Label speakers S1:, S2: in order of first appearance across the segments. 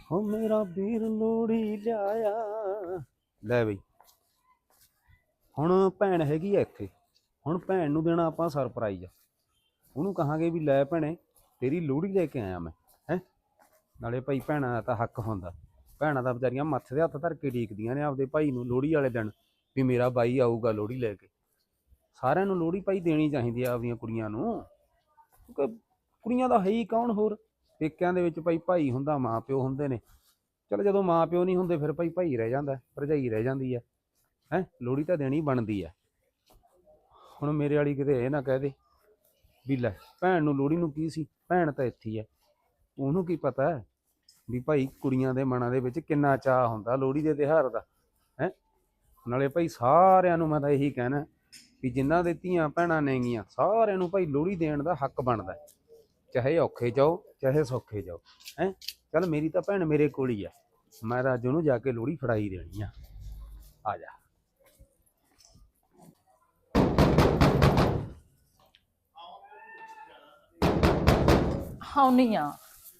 S1: ਹੋ ਮੇਰਾ ਵੀਰ ਲੋੜੀ ਲਿਆਇਆ। ਲੈ ਬਈ ਹੁਣ ਭੈਣ ਹੈਗੀ ਆ ਇੱਥੇ। ਹੁਣ ਭੈਣ ਨੂੰ ਦੇਣਾ ਆਪਾਂ ਸਰਪ੍ਰਾਈਜ਼। ਉਹਨੂੰ ਕਹਾਂਗੇ ਵੀ ਲੈ ਭੈਣੇ ਤੇਰੀ ਲੋੜੀ ਲੈ ਕੇ ਆਇਆ ਮੈਂ। ਹੈ ਨਾਲੇ ਭਾਈ ਭੈਣਾਂ ਦਾ ਤਾਂ ਹੱਕ ਹੁੰਦਾ। ਭੈਣਾਂ ਦਾ ਵਿਚਾਰੀਆਂ ਮੱਥੇ ਦੇ ਹੱਥ ਧਰ ਕੇ ਡੀਕਦੀਆਂ ਨੇ ਆਪਦੇ ਭਾਈ ਨੂੰ ਲੋੜੀ ਵਾਲੇ ਦਿਨ ਵੀ ਮੇਰਾ ਬਾਈ ਆਊਗਾ ਲੋੜੀ ਲੈ ਕੇ। ਸਾਰਿਆਂ ਨੂੰ ਲੋੜੀ ਭਾਈ ਦੇਣੀ ਚਾਹੀਦੀ ਆ ਆਪਦੀਆਂ ਕੁੜੀਆਂ ਨੂੰ, ਕਿਉਂਕਿ ਕੁੜੀਆਂ ਦਾ ਹੈ ਹੀ ਕੌਣ ਹੋਰ। ਪੇਕਿਆਂ ਦੇ ਵਿੱਚ ਭਾਈ ਹੁੰਦਾ, ਮਾਂ ਪਿਓ ਹੁੰਦੇ ਨੇ। ਚਲ ਜਦੋਂ ਮਾਂ ਪਿਓ ਨਹੀਂ ਹੁੰਦੇ ਫਿਰ ਭਾਈ ਰਹਿ ਜਾਂਦਾ, ਭਰਜਾਈ ਰਹਿ ਜਾਂਦੀ ਹੈ। ਲੋੜੀ ਤਾਂ ਦੇਣੀ ਬਣਦੀ ਹੈ। ਹੁਣ ਮੇਰੇ ਵਾਲੀ ਕਿਤੇ ਇਹ ਨਾ ਕਹਿ ਦੇ ਵੀ ਲੈ ਭੈਣ ਨੂੰ ਲੋੜੀ ਨੂੰ ਕੀ ਸੀ, ਭੈਣ ਤਾਂ ਇੱਥੇ ਹੀ ਹੈ। ਉਹਨੂੰ ਕੀ ਪਤਾ ਹੈ ਵੀ ਭਾਈ ਕੁੜੀਆਂ ਦੇ ਮਨਾਂ ਦੇ ਵਿੱਚ ਕਿੰਨਾ ਚਾਅ ਹੁੰਦਾ ਲੋੜੀ ਦੇ ਤਿਉਹਾਰ ਦਾ। ਹੈ ਨਾਲੇ ਭਾਈ ਸਾਰਿਆਂ ਨੂੰ ਮੈਂ ਤਾਂ ਇਹੀ ਕਹਿਣਾ ਵੀ ਜਿਨ੍ਹਾਂ ਦੇ ਧੀਆਂ ਭੈਣਾਂ ਨੇਗੀਆਂ ਸਾਰਿਆਂ ਨੂੰ ਭਾਈ ਲੋੜੀ ਦੇਣ ਦਾ ਹੱਕ ਬਣਦਾ, ਚਾਹੇ ਔਖੇ ਜਾਓ ਚਾਹੇ ਸੌਖੇ ਜਾਓ। ਚੱਲ ਮੇਰੀ ਤਾਂ ਭੈਣ ਮੇਰੇ ਕੋਲ ਹੀ ਆ, ਮੈਂ ਤਾਂ ਅੱਜ ਉਹਨੂੰ ਜਾ ਕੇ ਲੋੜੀ ਫੜਾਈ ਦੇਣੀ ਆ ਜਾ।
S2: ਆਉਣੀ ਆ।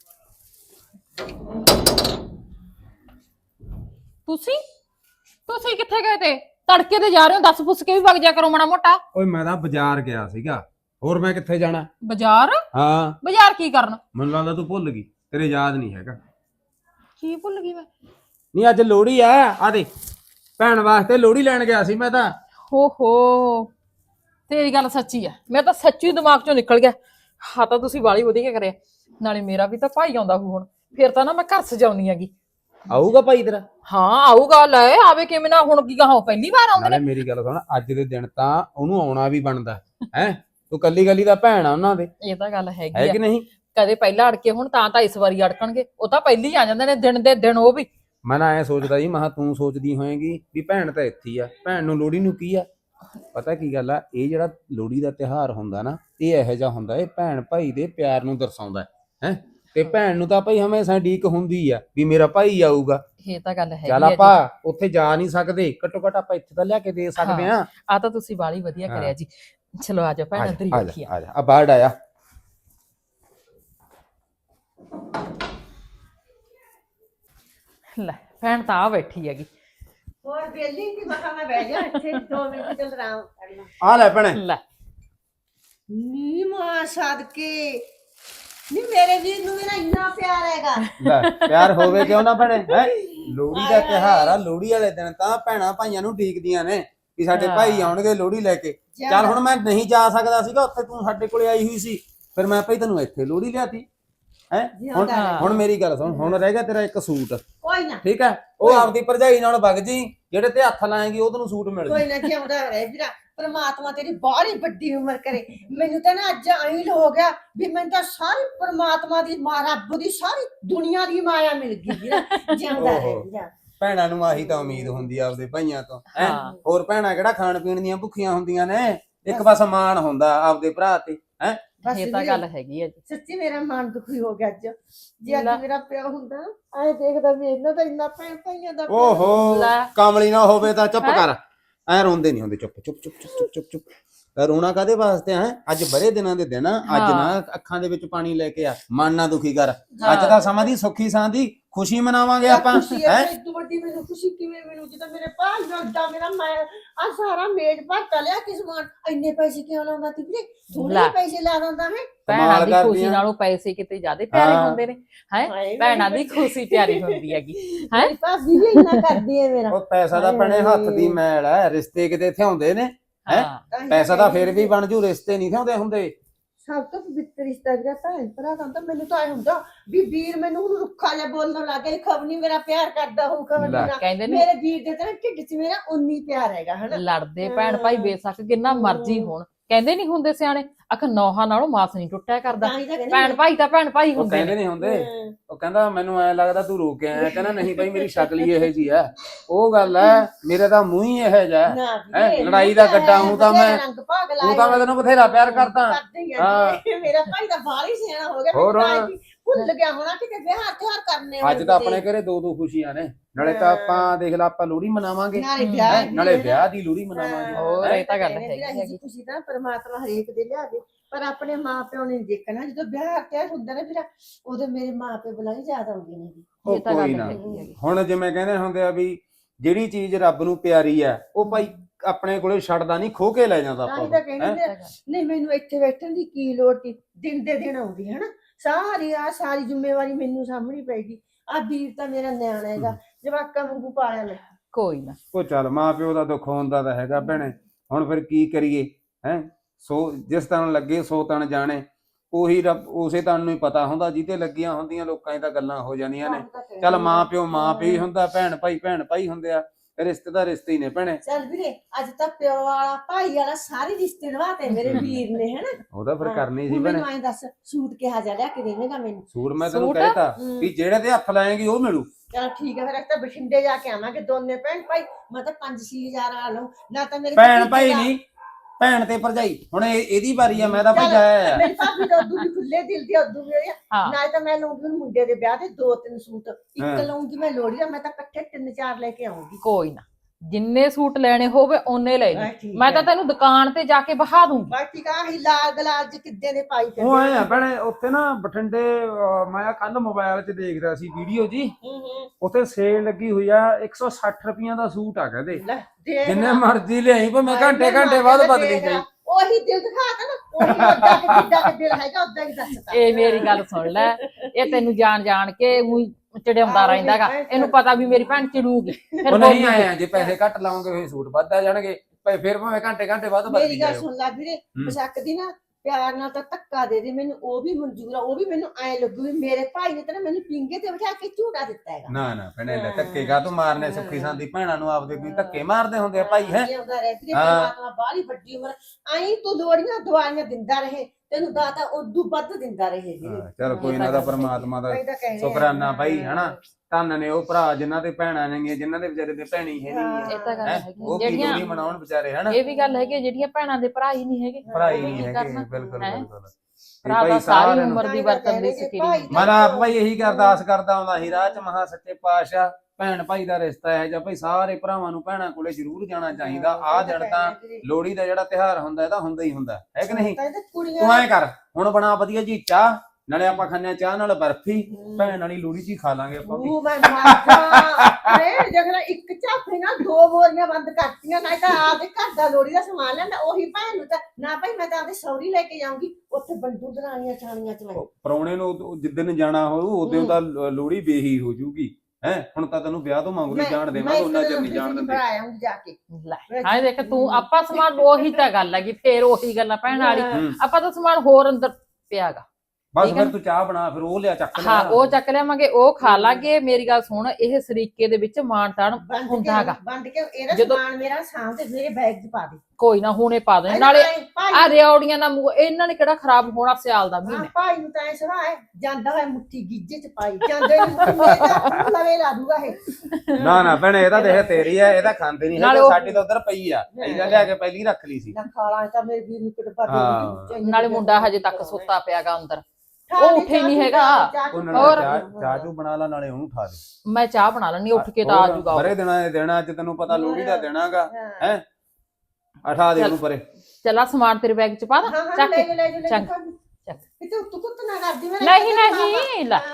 S2: ਤੁਸੀਂ ਕਿੱਥੇ ਗਏ ਤੇ? ਤੜਕੇ ਤੇ ਜਾ ਰਹੇ ਹੋ, ਦੱਸ ਪੁੱਛ ਕੇ ਵੀ ਵਗ ਜਾ ਕਰੋ ਮਾੜਾ ਮੋਟਾ।
S1: ਓਏ ਮੈਂ ਤਾਂ ਬਾਜ਼ਾਰ ਗਿਆ ਸੀਗਾ, ਹੋਰ ਮੈਂ ਕਿੱਥੇ ਜਾਣਾ।
S2: ਬਾਜ਼ਾਰ?
S1: ਹਾਂ
S2: ਬਾਜ਼ਾਰ ਕੀ ਕਰਨ?
S1: ਮੈਨੂੰ ਲੱਗਦਾ ਤੂੰ ਭੁੱਲ ਗਈ, ਤੇਰੇ ਯਾਦ ਨਹੀਂ ਹੈਗਾ।
S2: ਕੀ ਭੁੱਲ ਗਈ ਮੈਂ?
S1: ਨਹੀਂ ਅੱਜ ਲੋੜੀ ਆ ਦੇ ਭੈਣ ਵਾਸਤੇ ਲੋੜੀ ਲੈਣ ਗਿਆ ਸੀ ਮੈਂ ਤਾਂ।
S2: ਹੋ ਤੇਰੀ ਗੱਲ ਸੱਚੀ ਆ, ਮੈਂ ਤਾਂ ਸੱਚੀ ਦਿਮਾਗ ਚੋਂ ਨਿਕਲ ਗਿਆ। ਹਾਂ ਤਾਂ ਤੁਸੀਂ ਵਾਲੀ ਵਧੀਆ ਕਰਿਆ। ਨਾਲੇ ਮੇਰਾ ਵੀ ਤਾਂ ਭਾਈ ਆਉਂਦਾ ਹੁਣ, ਫਿਰ ਤਾਂ ਨਾ ਮੈਂ ਘਰ ਸਜਾਉਣੀ ਹੈਗੀ।
S1: ਆਊਗਾ ਭਾਈ ਤੇਰਾ?
S2: ਹਾਂ ਆਊਗਾ। ਲੈ ਆਵੇ ਕਿਵੇਂ ਨਾ, ਹੁਣ ਕੀ ਕਹਾਂ ਪਹਿਲੀ ਵਾਰ ਆਉਂਦੇ
S1: ਨਾਲੇ
S2: ਨੇ।
S1: ਮੇਰੀ ਗੱਲ ਸੁਣ, ਅੱਜ ਦੇ ਦਿਨ ਤਾਂ ਉਹਨੂੰ ਆਉਣਾ ਵੀ ਬਣਦਾ ਹੈ। ਤੂੰ ਕੱਲੀ ਦਾ ਭੈਣ ਆ ਉਹਨਾਂ ਦੇ,
S2: ਇਹ ਤਾਂ ਗੱਲ
S1: ਹੈ
S2: ਹੈਗੀ
S1: ਕਿ
S2: ਆ।
S1: ਨਹੀਂ?
S2: ਕਦੇ ਪਹਿਲਾਂ ਅੜਕੇ ਹੁਣ ਤਾਂ ਇਸ ਵਾਰੀ ਅੜਕਣਗੇ। ਉਹ ਤਾਂ ਪਹਿਲੀ ਆ ਜਾਂਦੇ ਨੇ ਦਿਨ ਦੇ ਦਿਨ। ਉਹ ਵੀ
S1: ਮੈਂ ਨਾ ਐ ਸੋਚਦਾ ਜੀ, ਮੈਂ ਤੂੰ ਸੋਚਦੀ ਹੋਏਗੀ ਵੀ ਭੈਣ ਤਾਂ ਇੱਥੇ ਹੀ ਆ, ਭੈਣ ਨੂੰ ਲੋੜੀ ਨੂੰ ਕੀ ਆ। ਪਤਾ ਕੀ ਗੱਲ ਆ, ਇਹ ਜਿਹੜਾ ਲੋੜੀ ਦਾ ਤਿਉਹਾਰ ਹੁੰਦਾ ਨਾ, ਇਹ ਇਹੋ ਜਿਹਾ ਹੁੰਦਾ, ਇਹ ਭੈਣ ਭਾਈ ਦੇ ਪਿਆਰ ਨੂੰ ਦਰਸਾਉਂਦਾ ਹੈ। ਤੇ ਭੈਣ ਨੂੰ ਤਾਂ ਭਾਈ ਹਮੇਸ਼ਾ ਡੀਕ ਹੁੰਦੀ ਆ ਵੀ ਮੇਰਾ ਭਾਈ ਆਊਗਾ।
S2: ਇਹ ਤਾਂ ਗੱਲ ਹੈਗੀ
S1: ਚੱਲ
S2: ਆ ਜੀ।
S1: ਆਪਾਂ ਉੱਥੇ ਜਾ ਨਹੀਂ ਸਕਦੇ, ਘੱਟੋ ਘੱਟ ਆਪਾਂ ਇੱਥੇ ਤਾਂ ਲਿਆ ਕੇ ਦੇ ਸਕਦੇ ਆ।
S2: ਆ ਤਾਂ ਤੁਸੀਂ ਬਾਲੀ ਵਧੀਆ ਕਰਿਆ ਜੀ। ਚਲੋ ਆ ਜਾ ਭੈਣ, ਅੰਦਰ ਹੀ ਬੈਠੀ ਆ।
S1: ਆ ਬਾਹਰ ਆਇਆ।
S2: ਲੈ ਭੈਣ ਤਾਂ ਆ ਬੈਠੀ ਹੈਗੀ।
S3: ਹੋਰ ਬੇਲੀ ਕੀ ਮਖਾ ਮੈਂ ਬਹਿ ਜਾ ਇੱਥੇ 2 ਮਿੰਟ ਚੱਲ ਆਰਾਮ ਕਰਨਾ।
S1: ਆ ਲੈ ਭੈਣੇ।
S2: ਲੈ
S3: ਨੀ ਮਾਂ ਸਦਕੇ, ਨੀ ਮੇਰੇ ਵੀਰ ਨੂੰ ਮੇਰਾ ਇੰਨਾ ਪਿਆਰ ਹੈਗਾ।
S1: ਲੈ ਪਿਆਰ ਹੋਵੇ ਕਿਉਂ ਨਾ ਭੈਣੇ। ਹੈ ਲੋਹੜੀ ਦਾ ਤਿਉਹਾਰ ਆ, ਲੋਹੜੀ ਵਾਲੇ ਦਿਨ ਤਾਂ ਭੈਣਾਂ ਭਾਈਆਂ ਨੂੰ ਡੀਕਦੀਆਂ ਨੇ ਵੀ ਸਾਡੇ ਭਾਈ ਆਉਣਗੇ ਲੋਹੜੀ ਲੈ ਕੇ। ਚੱਲ ਹੁਣ ਮੈਂ ਨਹੀਂ ਜਾ ਸਕਦਾ ਸੀਗਾ ਉੱਥੇ, ਤੂੰ ਸਾਡੇ ਕੋਲੇ ਆਈ ਹੋਈ ਸੀ, ਫਿਰ ਮੈਂ ਭਾਈ ਤੈਨੂੰ ਇੱਥੇ ਲੋਹੜੀ ਲਿਆਤੀ ਹੈ। ਹੁਣ ਮੇਰੀ ਗੱਲ ਸੁਣ, ਹੁਣ ਰਹਿ ਗਿਆ ਤੇਰਾ ਇੱਕ ਸੂਟ।
S3: ਕੋਈ ਨਾ,
S1: ਠੀਕ ਹੈ, ਉਹ ਆਪਦੀ ਭਰਜਾਈ ਨਾਲ ਵਗ ਜੀ, ਜਿਹੜੇ ਤੇ ਹੱਥ ਲਾਏਗੀ ਉਹ ਤੈਨੂੰ ਸੂਟ ਮਿਲ
S3: ਕੋਈ ਨਾ, ਜਿਉਂਦਾ ਰਹੇ ਵੀਰਾ। ਪਰਮਾਤਮਾ ਤੇਰੀ ਬਾਹਲੀ ਵੱਡੀ ਉਮਰ ਕਰੇ। ਮੈਨੂੰ ਤਾਂ ਨਾ ਅੱਜ ਆਈ ਹੋ ਗਿਆ ਵੀ ਮੈਨੂੰ ਤਾਂ ਸਾਰੀ ਪਰਮਾਤਮਾ ਦੀ ਰੱਬ ਦੀ ਸਾਰੀ ਦੁਨੀਆ ਦੀ ਮਾਇਆ ਮਿਲ ਗਈ ਵੀਰਾ। ਜਿਉਂਦਾ ਰਹੇ ਵੀਰਾ।
S1: ਭੈਣਾਂ ਨੂੰ ਆਹੀ ਤਾਂ ਉਮੀਦ ਹੁੰਦੀ ਆ ਆਪਦੇ ਭਾਈਆਂ ਤੋਂ। ਹੈ ਹੋਰ ਭੈਣਾਂ ਕਿਹੜਾ ਖਾਣ ਪੀਣ ਦੀਆਂ ਭੁੱਖੀਆਂ ਹੁੰਦੀਆਂ ਨੇ, ਇੱਕ ਬਸ ਮਾਣ ਹੁੰਦਾ ਆਪਦੇ ਭਰਾ ਤੇ। ਹੈ
S2: ਇਹ ਤਾਂ ਗੱਲ ਹੈਗੀ ਆ ਜੀ।
S3: ਸੱਚੀ ਮੇਰਾ ਮਨ ਦੁਖੀ ਹੋ ਗਿਆ ਅੱਜ। ਜੇ ਅੱਜ ਮੇਰਾ ਪਿਓ ਹੁੰਦਾ ਐ ਦੇਖਦਾ ਵੀ ਇਹਨਾਂ ਦਾ ਇੰਨਾ ਭੈਣ ਭਾਈਆਂ ਦਾ।
S1: ਓਹੋ ਕਮਲੀ ਨਾ ਹੋਵੇ ਤਾਂ ਚੁੱਪ ਕਰ। ਐ ਰੋਂਦੇ ਨਹੀਂ ਹੁੰਦੇ, ਚੁੱਪ ਚੁੱਪ ਚੁੱਪ ਚੁੱਪ ਚੁੱਪ ਚੁੱਪ। ਰੋਣਾ ਕਾਦੇ ਵਾਸਤੇ ਹੈ? ਅੱਜ ਬੜੇ ਦਿਨਾਂ ਦੇ ਦਿਨ, ਅੱਜ ਨਾ ਅੱਖਾਂ ਦੇ ਵਿੱਚ ਪਾਣੀ ਲੈ ਕੇ ਆ, ਮਨ ਨਾ ਦੁਖੀ ਕਰ। ਅੱਜ ਦਾ ਸਮਾਂ ਦੀ ਸੁੱਖੀ ਸਾਂ ਦੀ ਖੁਸ਼ੀ ਮਨਾਵਾਂਗੇ ਆਪਾਂ।
S3: ਹੈ ਇਦੋਂ ਵੱਡੀ ਮੈਨੂੰ ਖੁਸ਼ੀ ਕਿਵੇਂ ਮਿਲੂ ਜਦੋਂ ਮੇਰੇ ਭਾਈ ਦਾ ਏਡਾ ਮੇਰਾ ਮੈਂ ਆ ਸਾਰਾ ਮੇਜ਼ ਭਰ ਲਿਆ ਕਿ ਸਮਾਨ। ਇੰਨੇ ਪੈਸੇ ਕਿਉਂ ਲਾਉਂਦਾ ਤੀ ਵੀਰੇ? ਥੋੜੇ ਪੈਸੇ ਲਾ ਦਿੰਦਾ ਹੈ।
S2: ਭੈਣਾਂ ਦੀ ਖੁਸ਼ੀ ਨਾਲੋਂ ਪੈਸੇ ਕਿਤੇ ਜ਼ਿਆਦਾ ਪਿਆਰੇ ਹੁੰਦੇ ਨੇ। ਹੈ ਭੈਣਾਂ ਦੀ ਖੁਸ਼ੀ ਪਿਆਰੀ ਹੁੰਦੀ ਹੈਗੀ। ਹੈ
S3: ਭਾਬੀ ਵੀ ਇੰਨਾ ਕਰਦੀ ਹੈ ਮੇਰਾ।
S1: ਉਹ ਪੈਸਾ ਤਾਂ ਭੈਣੇ ਹੱਥ ਦੀ ਮੈਲ ਹੈ, ਰਿਸ਼ਤੇ ਕਿਤੇ ਥਿਆਉਂਦੇ ਨੇ। ਹੈ ਪੈਸਾ ਤਾਂ ਫੇਰ ਵੀ ਬਣ ਜੂ, ਰਿਸ਼ਤੇ ਨਹੀਂ ਥਿਆਉਂਦੇ ਹੁੰਦੇ।
S3: ਸਭ ਤੋਂ ਪਵਿੱਤਰ ਰਿਸ਼ਤਾ ਵੀਰਾ ਭੈਣ ਭਰਾ ਦਾ ਹੁੰਦਾ। ਮੈਨੂੰ ਤਾਂ ਇਹ ਹੁੰਦਾ ਵੀ ਵੀਰ ਮੈਨੂੰ ਹੁਣ ਰੁੱਖਾ ਜਿਹਾ ਬੋਲਣ ਲੱਗ ਗਿਆ, ਖਬਰ ਨਹੀਂ ਮੇਰਾ ਪਿਆਰ ਕਰਦਾ ਹੋਊ, ਖਬਰ ਨਹੀਂ ਮੇਰੇ ਵੀਰ ਦੇ ਤਾਂ ਢਿੱਡ 'ਚ ਮੇਰਾ ਉਨੀ ਪਿਆਰ ਹੈਗਾ। ਹਨਾ
S2: ਲੜਦੇ ਭੈਣ ਭਾਈ ਬੇਸ਼ੱਕ ਕਿੰਨਾ ਮਰਜ਼ੀ ਹੋਣ, ਕਹਿੰਦੇ ਨਹੀਂ ਹੁੰਦੇ ਸਿਆਣੇ, ਅਖ ਨੌਹਾਂ ਨਾਲੋਂ ਮਾਸ ਨਹੀਂ ਟੁੱਟਿਆ ਕਰਦਾ। ਭੈਣ ਭਾਈ ਤਾਂ ਭੈਣ ਭਾਈ ਹੁੰਦੇ
S1: ਕਹਿੰਦੇ ਨਹੀਂ ਹੁੰਦੇ। ਉਹ ਕਹਿੰਦਾ ਮੈਨੂੰ ਐ ਲੱਗਦਾ ਤੂੰ ਰੋ ਕੇ ਆਇਆ, ਕਹਿੰਦਾ ਨਹੀਂ ਭਾਈ ਮੇਰੀ ਸ਼ਕਲ ਹੀ ਇਹੋ ਜੀ ਆ। ਉਹ ਗੱਲ ਹੈ, ਮੇਰੇ ਤਾਂ ਮੂੰਹ ਹੀ ਇਹੋ ਜਿਹਾ ਹੈ। ਲੜਾਈ ਦਾ ਗੱਡਾ ਹੂੰ ਤਾਂ ਮੈਂ ਤੈਨੂੰ ਬਥੇਰਾ ਪਿਆਰ ਕਰਦਾ।
S3: ਮੇਰਾ ਭਾਈ ਤਾਂ ਬਾਹਰ ਹੀ ਸਿਆਣਾ ਹੋ ਗਿਆ, ਭੁੱਲ ਗਿਆ ਹੋਣਾ ਕਿ ਵਿਆਹ ਤਿਉਹਾਰ ਕਰਨੇ।
S1: ਅੱਜ ਤਾਂ ਆਪਣੇ ਘਰੇ ਦੋ ਖੁਸ਼ੀਆਂ ਨੇ, ਨਾਲੇ ਤਾਂ ਆਪਾਂ ਦੇਖ ਲਾ ਆਪਾਂ ਲੋਹੜੀ ਮਨਾਵਾਂਗੇ, ਨਾਲੇ ਵਿਆਹ ਦੀ ਲੋਹੜੀ ਮਨਾਵਾਂਗੇ।
S2: ਹੋਰ ਇਹ ਤਾਂ ਗੱਲ ਹੈਗੀ।
S3: ਖੁਸ਼ੀ ਤਾਂ ਪਰਮਾਤਮਾ ਹਰੇਕ ਦੇ ਲਿਆਵੇ, ਪਰ ਆਪਣੇ ਮਾਪਿਓ ਨੇ ਦੇਖਣਾ ਜਦੋਂ ਵਿਆਹ ਕਿਹਾ ਹੁੰਦਾ ਨਾ ਫਿਰ ਉਦੋਂ ਮੇਰੇ ਮਾਪੇ ਬੁਲਾਈ ਜ਼ਿਆਦਾ ਆਉਂਦੇ ਨੇ
S1: ਉਹ
S2: ਇਹ ਤਾਂ
S1: ਕੋਈ
S2: ਗੱਲ
S1: ਨਾ
S2: ਹੈਗੀ ਹੈਗੀ।
S1: ਹੁਣ ਜਿਵੇਂ ਕਹਿੰਦੇ ਹੁੰਦੇ ਆ ਵੀ ਜਿਹੜੀ ਚੀਜ਼ ਰੱਬ ਨੂੰ ਪਿਆਰੀ ਆ ਉਹ ਭਾਈ ਆਪਣੇ ਕੋਲੇ ਛੱਡਦਾ ਨਹੀਂ, ਖੋ ਕੇ ਲੈ ਜਾਂਦਾ
S3: ਤਾਂ ਹੀ
S1: ਆਪਾਂ
S3: ਤਾਂ
S1: ਨੂੰ,
S3: ਕਹਿੰਦੇ
S1: ਹੈਂ?
S3: ਨੇ, ਨਹੀਂ ਮੈਨੂੰ ਇੱਥੇ ਬੈਠਣ ਦੀ ਕੀ ਲੋੜ ਸੀ, ਦਿਨ ਦੇ ਦਿਨ ਆਉਂਦੀ ਹੈ ਨਾ ਸਾਰੀ ਜ਼ਿੰਮੇਵਾਰੀ ਮੈਨੂੰ ਸਾਹਮਣੀ ਪੈਗੀ। ਆ ਵੀਰ ਤਾਂ ਮੇਰਾ ਨਿਆਣਾ ਹੈਗਾ, ਜਵਾਕਾਂ ਵਾਂਗੂ ਪਾਲਿਆ ਮੈਂ।
S2: ਕੋਈ ਨਾ
S1: ਉਹ ਚੱਲ ਮਾਂ ਪਿਓ ਦਾ ਦੁੱਖ ਹੁੰਦਾ ਤਾਂ ਹੈਗਾ ਭੈਣੇ, ਹੁਣ ਫਿਰ ਕੀ ਕਰੀਏ ਹੈ। ਸੋ ਜਿਸ ਤਨ ਲੱਗੇ ਸੋ ਤਨ ਜਾਣੇ, ਉਹੀ ਰੱਬ ਉਸੇ ਤਨ ਨੂੰ ਹੀ ਪਤਾ ਹੁੰਦਾ, ਜਿਹਤੇ ਲੱਗੀਆਂ ਹੁੰਦੀਆਂ ਲੋਕਾਂ ਦੀ ਤਾਂ ਗੱਲਾਂ ਹੋ ਜਾਂਦੀਆਂ ਨੇ। ਚੱਲ ਮਾਂ ਪਿਓ ਹੀ ਹੁੰਦਾ, ਭੈਣ ਭਾਈ ਹੁੰਦੇ ਆ, ਰਿਸ਼ਤੇ ਰਿਸ਼ਤੇ ਹੀ ਨੇ ਭੈਣੇ।
S3: ਚੱਲ ਵੀਰੇ ਅੱਜ ਤਾਂ ਪਿਓ ਵਾਲਾ ਭਾਈ ਵਾਲਾ ਸਾਰੇ ਰਿਸ਼ਤੇ ਨਿਭਾਤੇ ਮੇਰੇ ਵੀਰ ਨੇ ਹਨਾ।
S1: ਉਹਦਾ ਫਿਰ ਕਰਨੀ ਸੀ
S3: ਹੁਣ
S1: ਭੈਣੇ।
S3: ਮੈਨੂੰ ਐਂ ਦੱਸ ਸੂਟ ਕਿਹਾ ਜਾ ਲਿਆ ਕਿ ਦੇਵੇਂਗਾ ਮੈਨੂੰ?
S1: ਸੂਟ ਮੈਂ ਤੈਨੂੰ
S2: ਸੂਟ?
S1: ਕਹਿਤਾ
S3: ਹੂੰ।
S1: ਵੀ ਜਿਹੜੇ ਤੇ ਹੱਥ ਲਾਏਗੀ ਉਹ ਮਿਲੂ।
S3: ਚਲ ਠੀਕ ਹੈ ਫਿਰ ਅਸੀਂ ਤਾਂ ਬਠਿੰਡੇ ਜਾ ਕੇ ਆਵਾਂਗੇ ਦੋਨੇ ਭੈਣ ਭਾਈ। ਮੈਂ ਤਾਂ 5-6 ਹਜ਼ਾਰ ਆ ਲਊ ਨਾ ਤਾਂ ਮੇਰੇ
S1: ਭੈਣ ਭਾਈ ਨਹੀਂ, ਭੈਣ ਤੇ ਭਰਜਾਈ। ਹੁਣ ਇਹਦੀ ਵਾਰੀ ਆ, ਮੈਂ ਤਾਂ ਭਾਈ ਜਾਇਆ ਆ।
S3: ਮੇਰੀ ਭਾਬੀ ਤਾਂ ਉਦੋਂ ਵੀ ਖੁੱਲੇ ਦਿਲ ਦੀ ਉਦੋਂ ਵੀ ਹੋਈ ਆ।
S2: ਹਾਂ
S3: ਨਾ ਤਾਂ ਮੈਂ ਲਊਂਗੀ ਉਹਨੂੰ ਮੁੰਡੇ ਦੇ ਵਿਆਹ ਦੇ 2-3 ਸੂਟ, ਇੱਕ
S1: ਹਾਂ।
S3: ਲਊਂਗੀ ਮੈਂ ਲੋਹੜੀ ਦਾ, ਮੈਂ ਤਾਂ ਇਕੱਠੇ 3-4 ਲੈ ਕੇ ਆਉਂਗੀ।
S2: ਕੋਈ ਨਾ, ਜਿੰਨੇ ਸੂਟ ਲੈਣੇ ਹੋਵੇ ਓਨੇ ਲੈ
S3: ਬਸ
S2: ਲਈ।
S3: ਠੀਕ
S2: ਮੈਂ ਤਾਂ
S3: ਹੈ।
S2: ਤੈਨੂੰ ਦੁਕਾਨ ਤੇ ਜਾ ਕੇ ਬਹਾ ਦੂੰਗੀ।
S3: ਬਸ ਠੀਕ ਆ, ਆਹੀ ਲਾਲ ਗਲਾਲ ਚ ਕਿੱਦੇ ਦੇ ਪਾਈ ਫਿਰਦੇ
S1: ਉਹ ਆਏ ਆ ਭੈਣੇ ਉੱਥੇ ਨਾ ਬਠਿੰਡੇ, ਮੈਂ ਕੱਲ ਮੋਬਾਈਲ 'ਚ ਦੇਖ ਰਿਹਾ ਸੀ ਵੀਡੀਓ ਜੀ,
S3: ਹੂੰ।
S1: ਉੱਥੇ ਸੇਲ ਲੱਗੀ ਹੋਈ ਆ, 160 ਰੁਪਈਆਂ ਦਾ ਸੂਟ ਆ ਕਹਿੰਦੇ।
S3: ਲੈ ਦੇਖ
S1: ਜਿੰਨੇ
S3: ਲਾ।
S1: ਮਰਜ਼ੀ ਲਿਆਈ, ਭਾਵੇਂ ਘੰਟੇ
S3: ਮੈਂ
S1: ਬਾਅਦ ਬਦਲੀ
S3: ਦੇਖ ਲਾ।
S1: ਜਾਈ।
S3: ਉਹੀ ਦਿਲ ਦਿਖਾਤਾ ਨਾ, ਉਹੀ ਓਦਾਂ ਕਿ ਜਿੱਦਾਂ ਕਿ ਦਿਲ ਹੈਗਾ ਓਦਾਂ ਹੀ ਦੱਸਤਾ।
S2: ਇਹ ਮੇਰੀ ਗੱਲ ਸੁਣ ਲੈ, ਇਹ ਤੈਨੂੰ ਜਾਣ ਕੇ ਉਹੀ ਚੜਿਆਉਂਦਾ
S3: ਆਹੋ
S2: ਰਹਿੰਦਾਗਾ।
S3: ਜੀ,
S2: ਇਹਨੂੰ ਪਤਾ ਵੀ ਮੇਰੀ ਭੈਣ ਚਿੜੂਗੀ, ਫਿਰ
S1: ਉਹ ਨਹੀਂ
S2: ਬੋਲੂਗੀ।
S1: ਆਏ ਆ, ਜੇ ਪੈਸੇ ਘੱਟ ਲਾਉਂਗੇ ਫਿਰ ਸੂਟ ਵੱਧ ਆ ਜਾਣਗੇ, ਫਿਰ ਭਾਵੇਂ ਘੰਟੇ ਬਾਅਦ ਬਦਲੀ
S3: ਮੇਰੀ ਗੱਲ
S1: ਜਾਇਓ।
S3: ਸੁਣ ਲੈ ਵੀਰੇ,
S1: ਹੂੰ।
S3: ਬਸ਼ੱਕ ਦੀ ਨਾ ਪਿਆਰ ਨਾਲ ਤਾਂ ਧੱਕਾ ਦੇ ਦੇ ਮੈਨੂੰ, ਉਹ ਵੀ ਮਨਜ਼ੂਰ ਆ। ਉਹ ਵੀ ਮੈਨੂੰ ਐ ਲੱਗੂ ਵੀ ਮੇਰੇ ਭਾਈ ਨੇ ਤਾਂ ਨਾ ਮੈਨੂੰ ਪਿੰਗੇ ਤੇ ਬਿਠਾ ਕੇ ਝੂਟਾ ਦਿੱਤਾ ਹੈਗਾ।
S1: ਨਾ ਭੈਣੇ ਲੈ ਧੱਕੇ ਕਾ ਤੂੰ ਮਾਰਨੇ, ਸੁੱਖੀ ਸਾਂਦੀ ਭੈਣਾਂ ਨੂੰ ਆਪਦੇ ਕੋਈ ਧੱਕੇ ਮਾਰਦੇ ਹੁੰਦੇ ਆ ਭਾਈ, ਹੈ।
S3: ਜਿਉਂਦਾ ਰਹਿ ਵੀਰੇ,
S1: ਹਾਂ।
S3: ਪਰਮਾਤਮਾ ਬਾਹਲੀ ਵੱਡੀ ਉਮਰ ਐਂ ਤੂੰ ਲੋੜੀਆਂ ਦੁਆਈਆਂ ਦਿੰਦਾ ਰਹੇ, ਤੈਨੂੰ ਦਾਤਾ ਉਦੋਂ ਵੱਧ ਦਿੰਦਾ ਰਹੇ ਵੀਰੇ।
S1: ਚਲ ਕੋਈ ਨਾ, ਦਾ ਪਰਮਾਤਮਾ ਦਾ
S3: ਅਸੀਂ ਤਾਂ ਕਹਿੰਦੇ ਆ।
S1: ਸ਼ੁਕਰਾਨਾ ਭਾਈ, ਹਨਾ। ਧੰਨ ਨੇ ਉਹ ਭਰਾ ਜਿਨ੍ਹਾਂ ਦੇ ਭੈਣਾਂ ਨੇਗੀਆਂ, ਜਿਨ੍ਹਾਂ ਦੇ ਵਿਚਾਰੇ ਦੇ ਭੈਣੀ ਹੈ
S2: ਇਹ
S1: ਨਹੀਂ,
S2: ਤਾਂ ਗੱਲ ਹੈਗੀ।
S1: ਉਹ ਕੀ
S2: ਜਿਹੜੀਆਂ
S1: ਲੋੜੀ ਮਨਾਉਣ ਵਿਚਾਰੇ, ਹਨਾ।
S2: ਇਹ ਵੀ ਗੱਲ ਹੈਗੀ, ਜਿਹੜੀਆਂ ਭੈਣਾਂ ਦੇ ਭਰਾ ਹੀ ਨਹੀਂ ਹੈਗੇ,
S1: ਭਰਾ ਹੀ
S2: ਉਹ
S1: ਨਹੀਂ
S2: ਕੀ
S1: ਹੈਗੇ,
S2: ਕਰਨਾ?
S1: ਬਿਲਕੁਲ
S2: ਹੈਂ?
S1: ਬਿਲਕੁਲ।
S2: ਭਰਾ ਦਾ ਸਾਰੀ ਉਮਰ ਦੀ ਵਰਤਨ ਦੀ ਸਕੀਰੀ।
S1: ਮੈਂ ਤਾਂ ਆਪ ਭਾਈ ਇਹੀ ਅਰਦਾਸ ਕਰਦਾ ਹੁੰਦਾ ਸੀ ਰਾਹ ਚ, ਮਹਾ ਸੱਚੇ ਪਾਤਸ਼ਾਹ ਭੈਣ ਭਾਈ ਦਾ ਰਿਸ਼ਤਾ ਹੈ ਜਾਂ ਭਾਈ ਸਾਰੇ ਭਰਾਵਾਂ ਨੂੰ ਭੈਣਾਂ ਕੋਲੇ ਜ਼ਰੂਰ ਜਾਣਾ ਚਾਹੀਦਾ। ਆਹ ਦਿਨ ਤਾਂ ਲੋਹੜੀ ਦਾ ਜਿਹੜਾ ਤਿਉਹਾਰ ਹੁੰਦਾ ਇਹਦਾ ਹੁੰਦਾ ਹੀ ਹੁੰਦਾ ਹੈ ਕਿ ਨਹੀਂ। ਤੂੰ ਐਂ ਕਰ, ਹੁਣ ਬਣਾ ਵਧੀਆ ਜੀ ਚਾਹ, ਨਾਲੇ ਆਪਾਂ ਖਾਂਦੇ ਚਾਹ ਨਾਲ ਬਰਫੀ, ਭੈਣ ਵਾਲੀ ਲੋਹੜੀ ਜੀ ਖਾ ਲਾਂਗੇ ਆਪਾਂ ਵੀ।
S3: ਉਹ ਮੈਂ ਮਰ ਜਾ ਰੇ, ਦੇਖ ਲੈ ਇੱਕ ਝਾਫੇ ਨਾਲ 2 ਬੋਰੀਆਂ ਬੰਦ ਕਰਤੀਆਂ। ਨਾ ਤਾਂ ਆਪਦੇ ਘਰ ਦਾ ਲੋਹੜੀ ਦਾ ਸਮਾਨ ਲੈਂਦਾ, ਉਹੀ ਭੈਣ ਨੂੰ ਤਾਂ ਨਾ ਭਾਈ ਮੈਂ ਤਾਂ ਆਪਦੇ ਸੌਰੀ ਲੈ ਕੇ ਜਾਊਂਗੀ, ਉੱਥੇ ਬੰਦੂ ਦਰਾਣੀਆਂ ਛਾਣੀਆਂ ਚ ਮੈਂ
S1: ਪ੍ਰਾਹੁਣੇ ਨੂੰ ਜਿੱਦਣ ਜਾਣਾ ਹੋਊ ਉਦੋਂ ਤਾਂ ਲੋਹੜੀ ਬੇਹੀ ਹੋ ਜੂਗੀ, ਹੈ। ਹੁਣ ਤਾਂ ਤੈਨੂੰ ਵਿਆਹ ਤੋਂ ਮੰਗ ਲਈ ਜਾਣ ਦੇਵਾਂ, ਉਹਨਾਂ ਚਿਰ ਨਹੀਂ ਜਾਣ ਦਿੰਦੇ।
S3: ਆਉਂਗੀ ਜਾ ਕੇ।
S2: ਲੈ ਹਾਂ ਦੇਖ ਤੂੰ, ਆਪਾਂ ਸਮਾਨ ਉਹੀ ਤਾਂ ਗੱਲ ਹੈਗੀ, ਫੇਰ ਉਹੀ ਗੱਲਾਂ ਭੈਣ ਵਾਲੀ। ਆਪਾਂ ਤਾਂ ਸਮਾਨ ਹੋਰ ਅੰਦਰ ਪਿਆਗਾ,
S1: ਬਸ ਫਿਰ ਤੂੰ ਚਾਹ ਬਣਾ, ਫਿਰ ਉਹ ਲਿਆ ਚੱਕ ਲਿਆ।
S2: ਹਾਂ ਉਹ ਚੱਕ ਲਿਆਵਾਂਗੇ, ਉਹ ਖਾ ਲਾਂਗੇ। ਮੇਰੀ ਗੱਲ ਸੁਣ, ਇਹ ਸਰੀਕੇ ਦੇ ਵਿੱਚ ਮਾਣ ਤਾਣ ਹੁੰਦਾ ਹੈਗਾ।
S3: ਬੰਦ ਕੇ ਇਹਦਾ ਸਮਾਨ ਮੇਰਾ ਸਾਹਮਣੇ ਮੇਰੇ ਬੈਗ 'ਚ ਪਾ ਦੇ।
S2: ਕੋਈ ਨਾ ਹੁਣੇ ਪਾ ਦੇ, ਨਾਲੇ ਆ ਰਿਓੜੀਆਂ ਦਾ ਮੂੰਹ ਇਹਨਾਂ ਨੇ ਕਿਹੜਾ ਖਰਾਬ ਹੋਣਾ ਸਿਆਲ ਦਾ ਮਹੀਨੇ।
S3: ਭਾਈ ਨੂੰ ਤਾਂ ਐ ਸੁਣਾ ਹੈ, ਜਾਂਦਾ ਹੋਇਆ ਮੁੱਠੀ ਗਿੱਜੇ 'ਚ ਪਾਈ ਜਾਂਦੇ ਨੂੰ ਲਵੇ ਲਾ ਦੂਗਾ ਇਹ।
S1: ਨਾ ਭੈਣੇ, ਇਹਦਾ ਦੇਖ ਤੇਰੀ ਆ, ਇਹਦਾ ਖਾਂਦੇ ਨਹੀਂ ਹੈ, ਸਾਡੀ ਤਾਂ ਉਧਰ ਪਈ ਆ, ਇਹਦਾ ਲਿਆ ਕੇ ਪਹਿਲੀ ਰੱਖ ਲਈ ਸੀ।
S3: ਨਾ ਖਾਲਾ ਤਾਂ ਮੇਰੇ ਵੀਰ ਨੂੰ ਕਿਹੜਾ ਪਾ
S2: ਨਾਲੇ ਮੁੰਡਾ ਹਜੇ ਤੱਕ ਸੁੱਤਾ ਪਿਆਗਾ ਅੰਦਰ, ਉਹ ਉੱਠੇ ਨਹੀਂ ਹੈਗਾ।
S1: ਹੋਰ ਚਾਹ ਚੂ ਬਣਾ ਲਾ, ਨਾਲੇ ਉਹਨੂੰ ਉਠਾ ਦੇ।
S2: ਮੈਂ ਚਾਹ ਬਣਾ ਲੈਣੀ, ਉੱਠ ਕੇ ਤਾਂ ਆ ਜਾਊਗਾ।
S1: ਬਰੇ ਦੇਣਾ ਅੱਜ ਤੈਨੂੰ ਪਤਾ ਲੋਹੜੀ ਦਾ ਦੇਣਾਗਾ, ਹੈ। ਉਠਾ ਦੇ ਉਹਨੂੰ ਪਰੇ।
S2: ਚੱਲ ਸਮਾਨ ਤੇਰੇ ਬੈਗ 'ਚ ਪਾ ਦਾਂ, ਚੱਕ ਚੱਕ
S3: ਕਿਤੇ ਤੂੰ ਕੁੱਤ ਨਾ ਕਰਦੀ ਮੈਂ
S2: ਨਹੀਂ ਲੈ।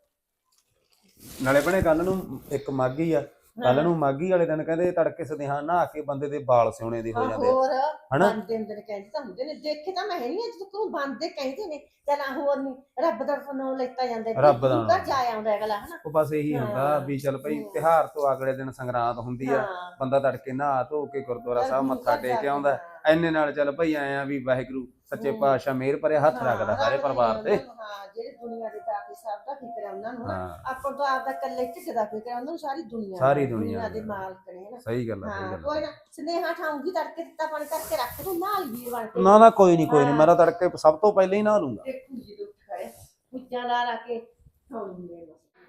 S1: ਨਾਲੇ ਭੈਣੇ ਕੱਲ ਨੂੰ ਇੱਕ ਮਾਘੀ ਆ, ਕੱਲ ਨੂੰ ਮਾਘੀ ਵਾਲੇ ਦਿਨ ਕਹਿੰਦੇ ਤੜਕੇ ਸਦਿਹਾਂ ਨਹਾ ਕੇ ਬੰਦੇ ਦੇ ਵਾਲ ਸਿਉਣੇ ਦੇ ਹੋ ਜਾਂਦੇ
S3: ਹੋਰ
S1: ਹਨਾ।
S3: ਬੰਦੇ ਅੰਦਰ ਕਹਿੰਦੇ ਤਾਂ ਹੁੰਦੇ ਨੇ, ਦੇਖੇ ਤਾਂ ਮੈਂ ਹੈ ਨਹੀਂ ਅੱਜ ਤੱਕ ਬੰਦੇ ਕਹਿੰਦੇ ਨੇ। ਚੱਲ ਹੋਰ ਨਹੀਂ, ਰੱਬ ਦਾ ਫਨੋਂ ਲੈਤਾ ਜਾਂਦਾ,
S1: ਰੱਬ ਦਾ
S3: ਘਰ ਜਾ ਆਉਂਦਾ ਅਗਲਾ ਹਨਾ।
S1: ਉਹ ਬਸ ਇਹੀ ਹੁੰਦਾ ਵੀ ਚੱਲ ਭਾਈ ਤਿਉਹਾਰ ਤੋਂ ਅਗਲੇ ਦਿਨ ਸੰਗਰਾਂਦ ਹੁੰਦੀ ਆ, ਬੰਦਾ ਤੜਕੇ ਨਹਾ ਧੋ ਕੇ ਗੁਰਦੁਆਰਾ ਸਾਹਿਬ ਮੱਥਾ ਟੇਕ ਕੇ ਆਉਂਦਾ। ਐਨੇ ਨਾਲ ਚੱਲ ਭਾਈ ਆਏ ਆ ਵੀ ਵਾਹਿਗੁਰੂ ਸੱਚੇ ਪਾਤਸ਼ਾਹ ਮਿਹਰ ਭਰੇ ਹੱਥ ਰੱਖਦਾ ਸਾਰੇ ਪਰਿਵਾਰ ਤੇ।
S3: ਹਾਂ ਜਿਹੜੇ ਦੁਨੀਆ ਦੇ ਦਾਤੇ ਸਭ ਦਾ ਫਿਕਰ ਹੈ ਉਹਨਾਂ ਨੂੰ, ਆਪਾਂ ਤੋਂ ਆਪਦਾ ਇਕੱਲੇ ਢਿੱਡ ਦਾ ਫਿਕਰ ਹੈ, ਉਹਨਾਂ ਨੂੰ ਸਾਰੀ ਦੁਨੀਆ ਦੇ ਮਾਲਕ ਨੇ ਹਨਾ।
S1: ਸਹੀ ਗੱਲ ਹੈ, ਸਹੀ ਗੱਲ
S3: ਕੋਈ ਨਾ ਸੁਨੇਹਾ ਠਾਉਂਗੀ, ਤੜਕੇ ਦਿੱਤਾ ਪਾਣੀ ਕਰਕੇ ਰੱਖ ਦੂੰ ਨਾਲ ਵੀਰ ਬਣ ਕੇ।
S1: ਨਾ ਕੋਈ ਨਹੀਂ ਮੈਂ ਤਾਂ ਤੜਕੇ ਸਭ ਤੋਂ ਪਹਿਲਾਂ ਹੀ ਨਹਾ ਲੂੰਗਾ।
S3: ਦੇਖੂ ਜੀ ਉੱਠ ਖੜੇ ਪੁੱਜਾਂ ਲਾ ਕੇ ਠਾਉਂਗੇ।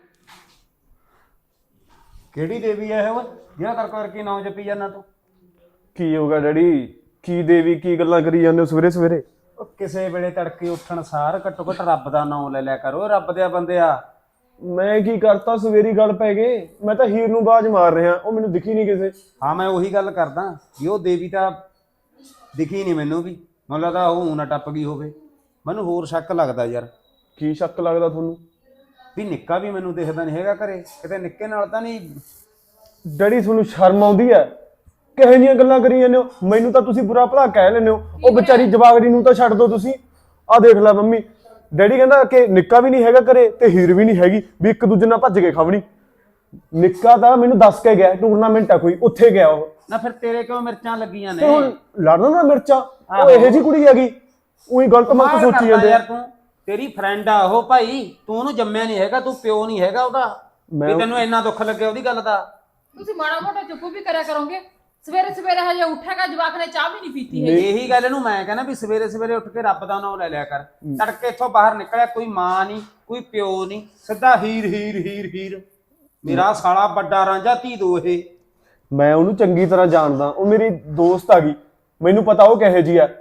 S1: ਕਿਹੜੀ ਦੇਵੀ ਆ ਇਹ ਓਏ ਜਿਹੜਾ ਤੜਕੇ ਕਰਕੇ ਨਾਮ ਜਪੀ ਜਾਂਦਾ ਤੂੰ?
S4: ਕੀ ਹੋਗਾ ਡੈਡੀ? ਕੀ ਦੇਵੀ, ਕੀ ਗੱਲਾਂ ਕਰੀ ਜਾਂਦੇ ਹੋ ਸਵੇਰੇ ਸਵੇਰੇ?
S1: ਉਹ ਕਿਸੇ ਵੇਲੇ ਤੜਕੇ ਉੱਠਣ ਸਾਰ ਘੱਟੋ ਘੱਟ ਰੱਬ ਦਾ ਨਾਮ ਲੈ ਲਿਆ ਕਰੋ, ਰੱਬ ਦੇ ਬੰਦਿਆ।
S4: ਮੈਂ ਕੀ ਕਰਤਾ, ਸਵੇਰੀ ਗੱਲ ਪੈ ਗਏ। ਮੈਂ ਤਾਂ ਹੀਰ ਨੂੰ ਬਾਜ ਮਾਰ ਰਿਹਾ, ਉਹ ਮੈਨੂੰ ਦਿਖੀ ਨਹੀਂ ਕਿਸੇ।
S1: ਹਾਂ ਮੈਂ ਉਹੀ ਗੱਲ ਕਰਦਾ ਵੀ ਉਹ ਦੇਵੀ ਤਾਂ ਦਿਖੀ ਨਹੀਂ ਮੈਨੂੰ ਵੀ, ਮੈਨੂੰ ਲੱਗਦਾ ਉਹ ਨਾ ਟੱਪ ਗਈ ਹੋਵੇ। ਮੈਨੂੰ ਹੋਰ ਸ਼ੱਕ ਲੱਗਦਾ ਯਾਰ
S4: ਕੀ ਸ਼ੱਕ ਲੱਗਦਾ ਤੁਹਾਨੂੰ?
S1: ਵੀ ਨਿੱਕਾ ਵੀ ਮੈਨੂੰ ਦਿਖਦਾ ਨਹੀਂ ਹੈਗਾ ਘਰੇ, ਕਿਤੇ ਨਿੱਕੇ ਨਾਲ ਤਾਂ ਨਹੀਂ।
S4: ਡੈਡੀ ਤੁਹਾਨੂੰ ਸ਼ਰਮ ਆਉਂਦੀ ਹੈ? ਕਿਹੋ ਜਿਹੀਆਂ ਗੱਲਾਂ ਕਰੀ ਜਾਂਦੇ ਹੋ? ਮੈਨੂੰ ਤਾਂ ਤੁਸੀਂ ਬੁਰਾ ਭਲਾ ਕਹਿ ਲੈਂਦੇ ਹੋ, ਉਹ ਵਿਚਾਰੀ ਜਵਾਗੜੀ ਨੂੰ ਤਾਂ ਛੱਡ ਦਿਓ ਤੁਸੀਂ। ਆਹ ਦੇਖ ਲੈ ਮੰਮੀ, ਡੈਡੀ ਕਹਿੰਦਾ ਕਿ ਨਿੱਕਾ ਵੀ ਨਹੀਂ ਹੈਗਾ ਘਰੇ ਤੇ ਹੀਰ ਵੀ ਨਹੀਂ ਹੈਗੀ ਵੀ ਇੱਕ ਦੂਜੇ ਨਾਲ ਭੱਜ ਕੇ ਖਾਵਣੀ। ਨਿੱਕਾ ਤਾਂ ਮੈਨੂੰ ਦੱਸ ਕੇ ਗਿਆ ਟੂਰਨਾਮੈਂਟ ਆ ਕੋਈ, ਉੱਥੇ ਗਿਆ ਉਹ।
S1: ਨਾ ਫਿਰ ਤੇਰੇ ਕਿਉਂ ਮਿਰਚਾਂ ਲੱਗੀਆਂ
S4: ਤੇ ਹੁਣ
S1: ਨੇ?
S4: ਲੜਨਾ ਨਾ ਮਿਰਚਾਂ, ਉਹ ਇਹੋ ਜਿਹੀ ਕੁੜੀ ਹੈਗੀ, ਉਹੀ ਗਲਤ ਮਤ ਸੋਚੀ ਜਾਂਦੇ ਆ।
S1: ਯਾਰ ਤੂੰ, ਤੇਰੀ ਫਰੈਂਡ ਆ ਉਹ ਭਾਈ, ਤੂੰ ਉਹਨੂੰ ਜੰਮਿਆ ਨਹੀਂ ਹੈਗਾ, ਤੂੰ ਪਿਓ ਨਹੀਂ ਹੈਗਾ ਉਹਦਾ, ਵੀ ਤੈਨੂੰ ਇੰਨਾ ਦੁੱਖ ਲੱਗਿਆ ਉਹਦੀ ਗੱਲ ਦਾ।
S2: ਤੁਸੀਂ ਮਾੜਾ ਮੋਟਾ ਚੁੱਪ ਵੀ ਕਰਿਆ ਕਰੋਗੇ। ਸਵੇਰੇ ਸਵੇਰੇ ਹਜੇ ਉੱਠੇਗਾ ਜਵਾਕ ਨੇ ਚਾਹ ਵੀ ਨਹੀਂ ਪੀਤੀ ਹੈ।
S1: ਇਹੀ ਗੱਲ ਇਹਨੂੰ ਮੈਂ ਕਹਿੰਦਾ ਵੀ ਸਵੇਰੇ ਸਵੇਰੇ ਉੱਠ ਕੇ ਰੱਬ ਦਾ ਨਾਮ ਲੈ ਲਿਆ ਕਰ। ਤੜਕੇ ਇੱਥੋਂ ਬਾਹਰ ਨਿਕਲਿਆ, ਕੋਈ ਮਾਂ ਨਹੀਂ ਕੋਈ ਪਿਓ ਨਹੀਂ, ਸਿੱਧਾ ਹੀਰ ਹੀਰ ਹੀਰ ਹੀਰ। ਮੇਰਾ ਸਾਲਾ ਵੱਡਾ ਰਾਂਝਾ ਧੀ ਦੋ ਇਹ।
S4: ਮੈਂ ਉਹਨੂੰ ਚੰਗੀ ਤਰ੍ਹਾਂ ਜਾਣਦਾ, ਉਹ ਮੇਰੀ ਦੋਸਤ ਆ ਗਈ, ਮੈਨੂੰ ਪਤਾ ਉਹ ਕਿਹੋ ਜਿਹੀ ਆ।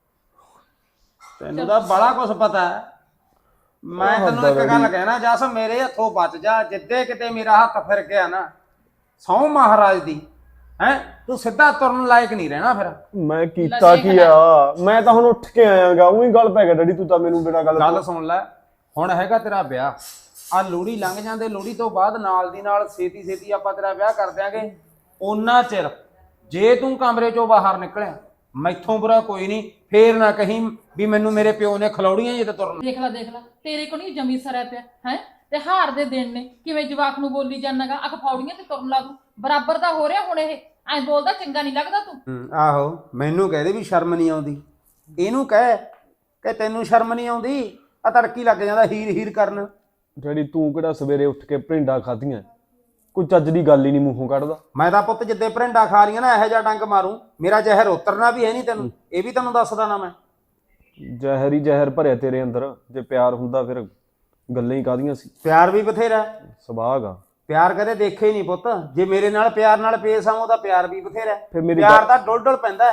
S1: ਤੈਨੂੰ ਤਾਂ ਬੜਾ ਕੁਝ ਪਤਾ ਹੈ। ਮੈਂ ਤੈਨੂੰ ਇੱਕ ਗੱਲ ਕਹਿਣਾ, ਜਸ ਮੇਰੇ ਹੱਥੋਂ ਬਚ ਜਾ। ਜਿੱਦੇ ਕਿਤੇ ਮੇਰਾ ਹੱਥ ਫਿਰ ਗਿਆ ਨਾ, ਸਹੁੰ ਮਹਾਰਾਜ ਦੀ, ਹੈ ਤੂੰ ਸਿੱਧਾ ਤੁਰਨ ਲਾਇਕ ਨਹੀਂ ਰਹਿਣਾ ਫਿਰ।
S4: ਮੈਂ ਕੀਤਾ ਕੀ ਆ? ਮੈਂ ਤਾਂ ਹੁਣ ਉੱਠ ਕੇ ਆਇਆਗਾ, ਉਹੀ ਗੱਲ ਪੈ ਗਿਆ ਡੈਡੀ, ਤੂੰ ਤਾਂ ਮੈਨੂੰ ਬਿਨਾਂ
S1: ਗੱਲ ਸੁਣ ਲੈ। ਹੁਣ ਹੈਗਾ ਤੇਰਾ ਵਿਆਹ, ਆ ਲੋਹੜੀ ਲੰਘ ਜਾਂਦੇ, ਲੋਹੜੀ ਤੋਂ ਬਾਅਦ ਨਾਲ ਦੀ ਨਾਲ ਛੇਤੀ ਛੇਤੀ ਆਪਾਂ ਤੇਰਾ ਵਿਆਹ ਕਰ ਦਿਆਂਗੇ। ਉਹਨਾਂ ਚਿਰ ਜੇ ਤੂੰ ਕਮਰੇ ਚੋਂ ਬਾਹਰ ਨਿਕਲਿਆ, ਮੈਥੋਂ ਬੁਰਾ ਕੋਈ ਨਹੀਂ। ਫੇਰ ਨਾ ਕਹੀਂ ਵੀ ਮੈਨੂੰ ਮੇਰੇ ਪਿਓ ਨੇ ਖਲੌੜੀਆਂ ਜੇ ਤੇ ਤੁਰਨ।
S2: ਦੇਖ ਲੈ ਤੇਰੇ ਕੋਲ ਨਹੀਂ ਜਮੀ ਸਰਿਆ ਪਿਆ ਹੈ। ਤੇ ਹਾਰ ਦੇ ਦਿਨ ਨੇ, ਕਿਵੇਂ ਜਵਾਕ ਨੂੰ ਬੋਲੀ ਜਾਣਾਗਾ, ਅੱਖ ਫੌੜੀਆਂ ਤੇ ਤੁਰਨ ਲਾ ਦੂੰ। ਬਰਾਬਰ ਦਾ ਹੋ ਰਿਹਾ ਹੁਣ ਇਹ, ਐਂ ਬੋਲਦਾ ਚੰਗਾ ਨਹੀਂ ਲੱਗਦਾ ਤੂੰ।
S1: ਆਹੋ, ਮੈਨੂੰ ਕਹਦੇ ਵੀ ਸ਼ਰਮ ਨਹੀਂ ਆਉਂਦੀ, ਇਹਨੂੰ ਕਹਿ ਕਿ ਤੈਨੂੰ ਸ਼ਰਮ ਨਹੀਂ ਆਉਂਦੀ। ਆ ਤੜਕੀ ਲੱਗ ਜਾਂਦਾ ਹੀਰ ਹੀਰ ਕਰਨ।
S4: ਡੈਡੀ ਤੂੰ ਕਿਹੜਾ ਸਵੇਰੇ ਉੱਠ ਕੇ ਭਿੰਡਾ ਖਾਧੀਆਂ? ਕੋਈ ਚੱਜ ਦੀ ਗੱਲ ਹੀ ਨਹੀਂ ਮੂੰਹੋਂ ਕੱਢਦਾ।
S1: ਮੈਂ ਤਾਂ ਪੁੱਤ ਜਿੱਦੇ ਭਰਿੰਡਾ ਖਾ ਰਹੀਆਂ ਨਾ, ਇਹੋ ਜਿਹਾ ਡੰਗ ਮਾਰੂ, ਮੇਰਾ ਜ਼ਹਿਰ ਉਤਰਨਾ ਵੀ ਹੈ ਨਹੀਂ ਤੈਨੂੰ, ਇਹ ਵੀ ਤੈਨੂੰ ਦੱਸਦਾ ਨਾ ਮੈਂ।
S4: ਜ਼ਹਿਰ ਹੀ ਜ਼ਹਿਰ ਭਰਿਆ ਤੇਰੇ ਅੰਦਰ। ਜੇ ਪਿਆਰ ਹੁੰਦਾ ਫਿਰ ਗੱਲਾਂ ਹੀ ਕਾਹਦੀਆਂ ਸੀ।
S1: ਪਿਆਰ ਵੀ ਬਥੇਰਾ,
S4: ਸੁਭਾਗ ਆ।
S1: ਪਿਆਰ ਕਦੇ ਦੇਖੇ ਹੀ ਨਹੀਂ ਪੁੱਤ। ਜੇ ਮੇਰੇ ਨਾਲ ਪਿਆਰ ਨਾਲ ਪੇਸ਼ ਆਵਾਂ, ਉਹਦਾ ਪਿਆਰ ਵੀ ਬਥੇਰਾ।
S4: ਫਿਰ ਮੇਰੀ
S1: ਪਿਆਰ ਤਾਂ ਡੁੱਲ ਡੁੱਲ ਪੈਂਦਾ।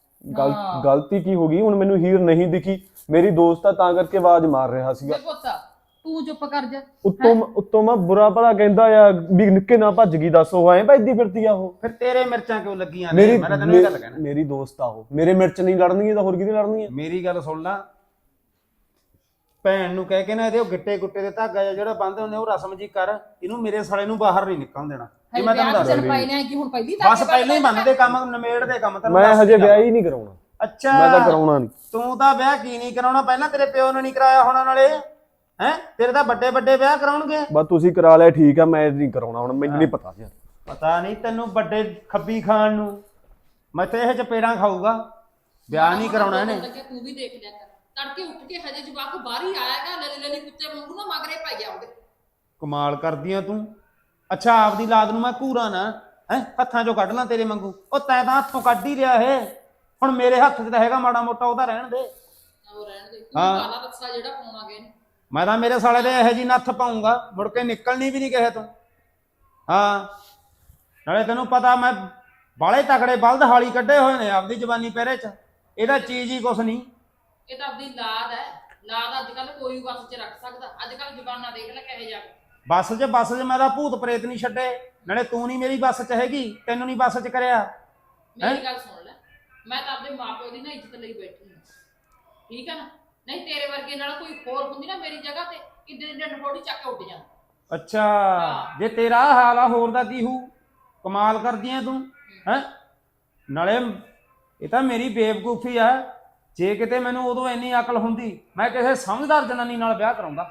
S4: ਗਲਤੀ ਕੀ ਹੋ ਗਈ? ਹੁਣ ਮੈਨੂੰ ਹੀਰ ਨਹੀਂ ਦਿਖੀ, ਮੇਰੀ ਦੋਸਤ ਆ ਤਾਂ ਕਰਕੇ ਆਵਾਜ਼ ਮਾਰ ਰਿਹਾ ਸੀਗਾ।
S2: ਪੁੱਤ ਤੂੰ ਚੁੱਪ ਕਰ ਜਾ।
S4: ਉੱਤੋਂ ਮੈਂ ਬੁਰਾ ਭਲਾ ਕਹਿੰਦਾ ਆ ਵੀ ਨਿੱਕੇ ਨਾ ਭੱਜ ਗਈ, ਦੱਸ ਉਹ ਐਂ ਭੱਜਦੀ ਫਿਰਦੀ ਆ ਉਹ।
S1: ਫਿਰ ਤੇਰੇ ਮਿਰਚਾਂ ਕਿਉਂ ਲੱਗੀਆਂ ਨੇ? ਮੈਂ ਤਾਂ ਤੈਨੂੰ ਇਹ ਗੱਲ ਕਹਿਣਾ,
S4: ਮੇਰੀ ਦੋਸਤ ਆ ਉਹ, ਮੇਰੇ ਮਿਰਚ ਨਹੀਂ ਲੜਨਗੀ ਤਾਂ ਹੋਰ ਕਿਹਦੀ ਲੜਨੀ ਆ?
S1: ਮੇਰੀ ਗੱਲ ਸੁਣ ਲੈ। ਭੈਣ ਨੂੰ ਕਹਿ ਕੇ ਨਾ ਇਹਦੇ ਉਹ ਗਿੱਟੇ ਗੁੱਟੇ ਦੇ ਧਾਗਾ ਜਿਹੜਾ ਬੰਨ੍ਹਦੇ ਹੁੰਦੇ ਉਹ ਰਸਮ ਜੀ ਕਰ। ਇਹਨੂੰ ਮੇਰੇ ਸਾਲੇ ਨੂੰ ਬਾਹਰ ਨਹੀਂ ਨਿਕਲਣ ਦੇਣਾ। ਇਹ ਮੈਂ ਤੈਨੂੰ ਦੱਸ ਦਿੰਦਾ, ਬਸ ਪਹਿਲਾਂ ਹੀ ਬੰਨਦੇ ਕੰਮ, ਨਿਮੇੜ ਦੇ ਕੰਮ। ਤੈਨੂੰ
S4: ਮੈਂ ਹਜੇ ਵਿਆਹ ਹੀ ਨਹੀਂ ਕਰਾਉਣਾ।
S1: ਅੱਛਾ,
S4: ਮੈਂ ਤਾਂ ਕਰਾਉਣਾ ਨਹੀਂ।
S1: ਤੂੰ ਤਾਂ ਵਿਆਹ ਕੀ ਨਹੀਂ ਕਰਾਉਣਾ? ਪਹਿਲਾਂ ਤੇਰੇ ਪਿਓ ਨੇ ਨਹੀਂ ਕਰਾਇਆ ਹੋਣਾ ਨਾਲੇ, ਹੈ ਤੇਰੇ ਤਾਂ ਵੱਡੇ ਵੱਡੇ ਵਿਆਹ ਕਰਾਉਣਗੇ।
S4: ਬਸ ਤੁਸੀਂ ਕਰਾ ਲਿਆ ਠੀਕ ਆ, ਮੈਂ ਨਹੀਂ ਕਰਾਉਣਾ ਹੁਣ। ਮੈਨੂੰ ਨਹੀਂ ਪਤਾ ਯਾਰ,
S1: ਪਤਾ ਨਹੀਂ ਤੈਨੂੰ ਵੱਡੇ ਖੱਬੀ ਖਾਣ ਨੂੰ। ਮੈਂ ਤੇ ਇਹ ਚਪੇੜਾਂ ਖਾਊਗਾ, ਵਿਆਹ ਨਹੀਂ ਕਰਾਉਣਾ ਇਹਨੇ।
S2: ਤੂੰ ਵੀ ਦੇਖ ਲਿਆ ਕਰ, ਤੜਕੇ ਉੱਠ ਕੇ ਹਜੇ ਜਵਾਕ ਬਾਹਰ ਹੀ ਆਇਆਗਾ, ਲੱਲੀ ਲੱਲੀ ਕੁੱਤੇ ਵਾਂਗੂ ਨਾ ਮਗਰੇ ਪੈ ਗਿਆ ਉਹਦੇ।
S1: ਕਮਾਲ ਕਰਦੀ ਆ ਤੂੰ। ਅੱਛਾ, ਆਪਦੀ ਲਾਦ ਨੂੰ ਮੈਂ ਘੂਰਾ ਨਾ ਹੈ ਹੱਥਾਂ ਚੋਂ ਕੱਢ ਲਾਂ ਤੇਰੇ ਵਾਂਗੂ? ਉਹ ਤੈਂ ਤਾਂ ਹੱਥੋਂ ਕੱਢ ਹੀ ਰਿਹਾ ਇਹ। ਹੁਣ ਮੇਰੇ ਹੱਥ 'ਚ ਤਾਂ ਹੈਗਾ ਮਾੜਾ ਮੋਟਾ, ਉਹਦਾ ਰਹਿਣ ਦੇ।
S2: ਉਹ ਰਹਿਣ ਦੇ, ਤੂੰ ਕਾਲਾ ਰੱਸਾ ਜਿਹੜਾ ਪਾਉਣਾਗੇ।
S1: ਮੈਂ ਤਾਂ ਮੇਰੇ ਸਾਲੇ ਦੇ ਇਹੋ ਜਿਹੀ ਨੱਥ ਪਾਉਂਗਾ, ਮੁੜ ਕੇ ਨਿਕਲਣੀ ਵੀ ਨਹੀਂ ਕਿਸੇ ਤੋਂ। ਹਾਂ, ਨਾਲੇ ਤੈਨੂੰ ਪਤਾ ਮੈਂ ਬਾਲੇ ਤਕੜੇ ਬਲਦ ਹਾਲੀ ਕੱਢੇ ਹੋਏ ਨੇ ਆਪਦੀ ਜਵਾਨੀ ਪਹਿਰੇ 'ਚ। ਇਹਦਾ ਚੀਜ਼ ਹੀ ਕੁਛ ਨਹੀਂ।
S2: ਇਹ ਤਾਂ ਆਪਦੀ ਲਾਦ ਹੈ। ਲਾਦ ਅੱਜ ਕੱਲ ਕੋਈ ਵਸ 'ਚ ਰੱਖ ਸਕਦਾ। ਅੱਜ ਕੱਲ ਜ਼ਬਾਨਾਂ ਦੇਖ ਲੈ ਕਿਹੋ ਜਿਹਾ।
S1: ਬੱਸ 'ਚ ਮੈਂ ਤਾਂ ਭੂਤ ਪ੍ਰੇਤ ਨਹੀਂ ਛੱਡੇ। ਨਾਲੇ ਤੂੰ ਨਹੀਂ ਮੇਰੀ ਬੱਸ 'ਚ ਹੈਗੀ, ਤੈਨੂੰ ਨਹੀਂ ਬੱਸ 'ਚ ਕਰਿਆ।
S2: ਮੇਰੀ ਗੱਲ ਸੁਣ ਲੈ, ਮੈਂ ਤਾਂ ਆਪਣੇ ਮਾਪਿਓ ਦੀ ਨਾ ਇੱਜ਼ਤ ਲਈ ਬੈਠੀ ਹਾਂ, ਠੀਕ ਹੈ ਨਾ? ਨਹੀਂ ਤੇਰੇ ਵਰਗੇ ਨਾਲ ਕੋਈ ਹੋਰ ਹੁੰਦੀ ਨਾ ਮੇਰੀ ਜਗ੍ਹਾ ਤੇ, ਕਿੱਡੇ ਡੰਡ ਫੋੜੀ ਚੱਕ ਕੇ ਉੱਡ ਜਾਂਦਾ।
S1: ਅੱਛਾ, ਜੇ ਤੇਰਾ ਹਾਲ ਆ ਹੋਰ ਦਾ ਕੀ ਹੋਊ? ਕਮਾਲ ਕਰਦੀ ਐ ਤੂੰ ਹੈ। ਨਾਲੇ ਇਹ ਤਾਂ ਮੇਰੀ ਬੇਵਕੂਫੀ ਆ। ਜੇ ਕਿਤੇ ਮੈਨੂੰ ਉਦੋਂ ਇੰਨੀ ਅਕਲ ਹੁੰਦੀ, ਮੈਂ ਕਿਸੇ ਸਮਝਦਾਰ ਜਨਾਨੀ ਨਾਲ ਵਿਆਹ ਕਰਾਉਂਦਾ।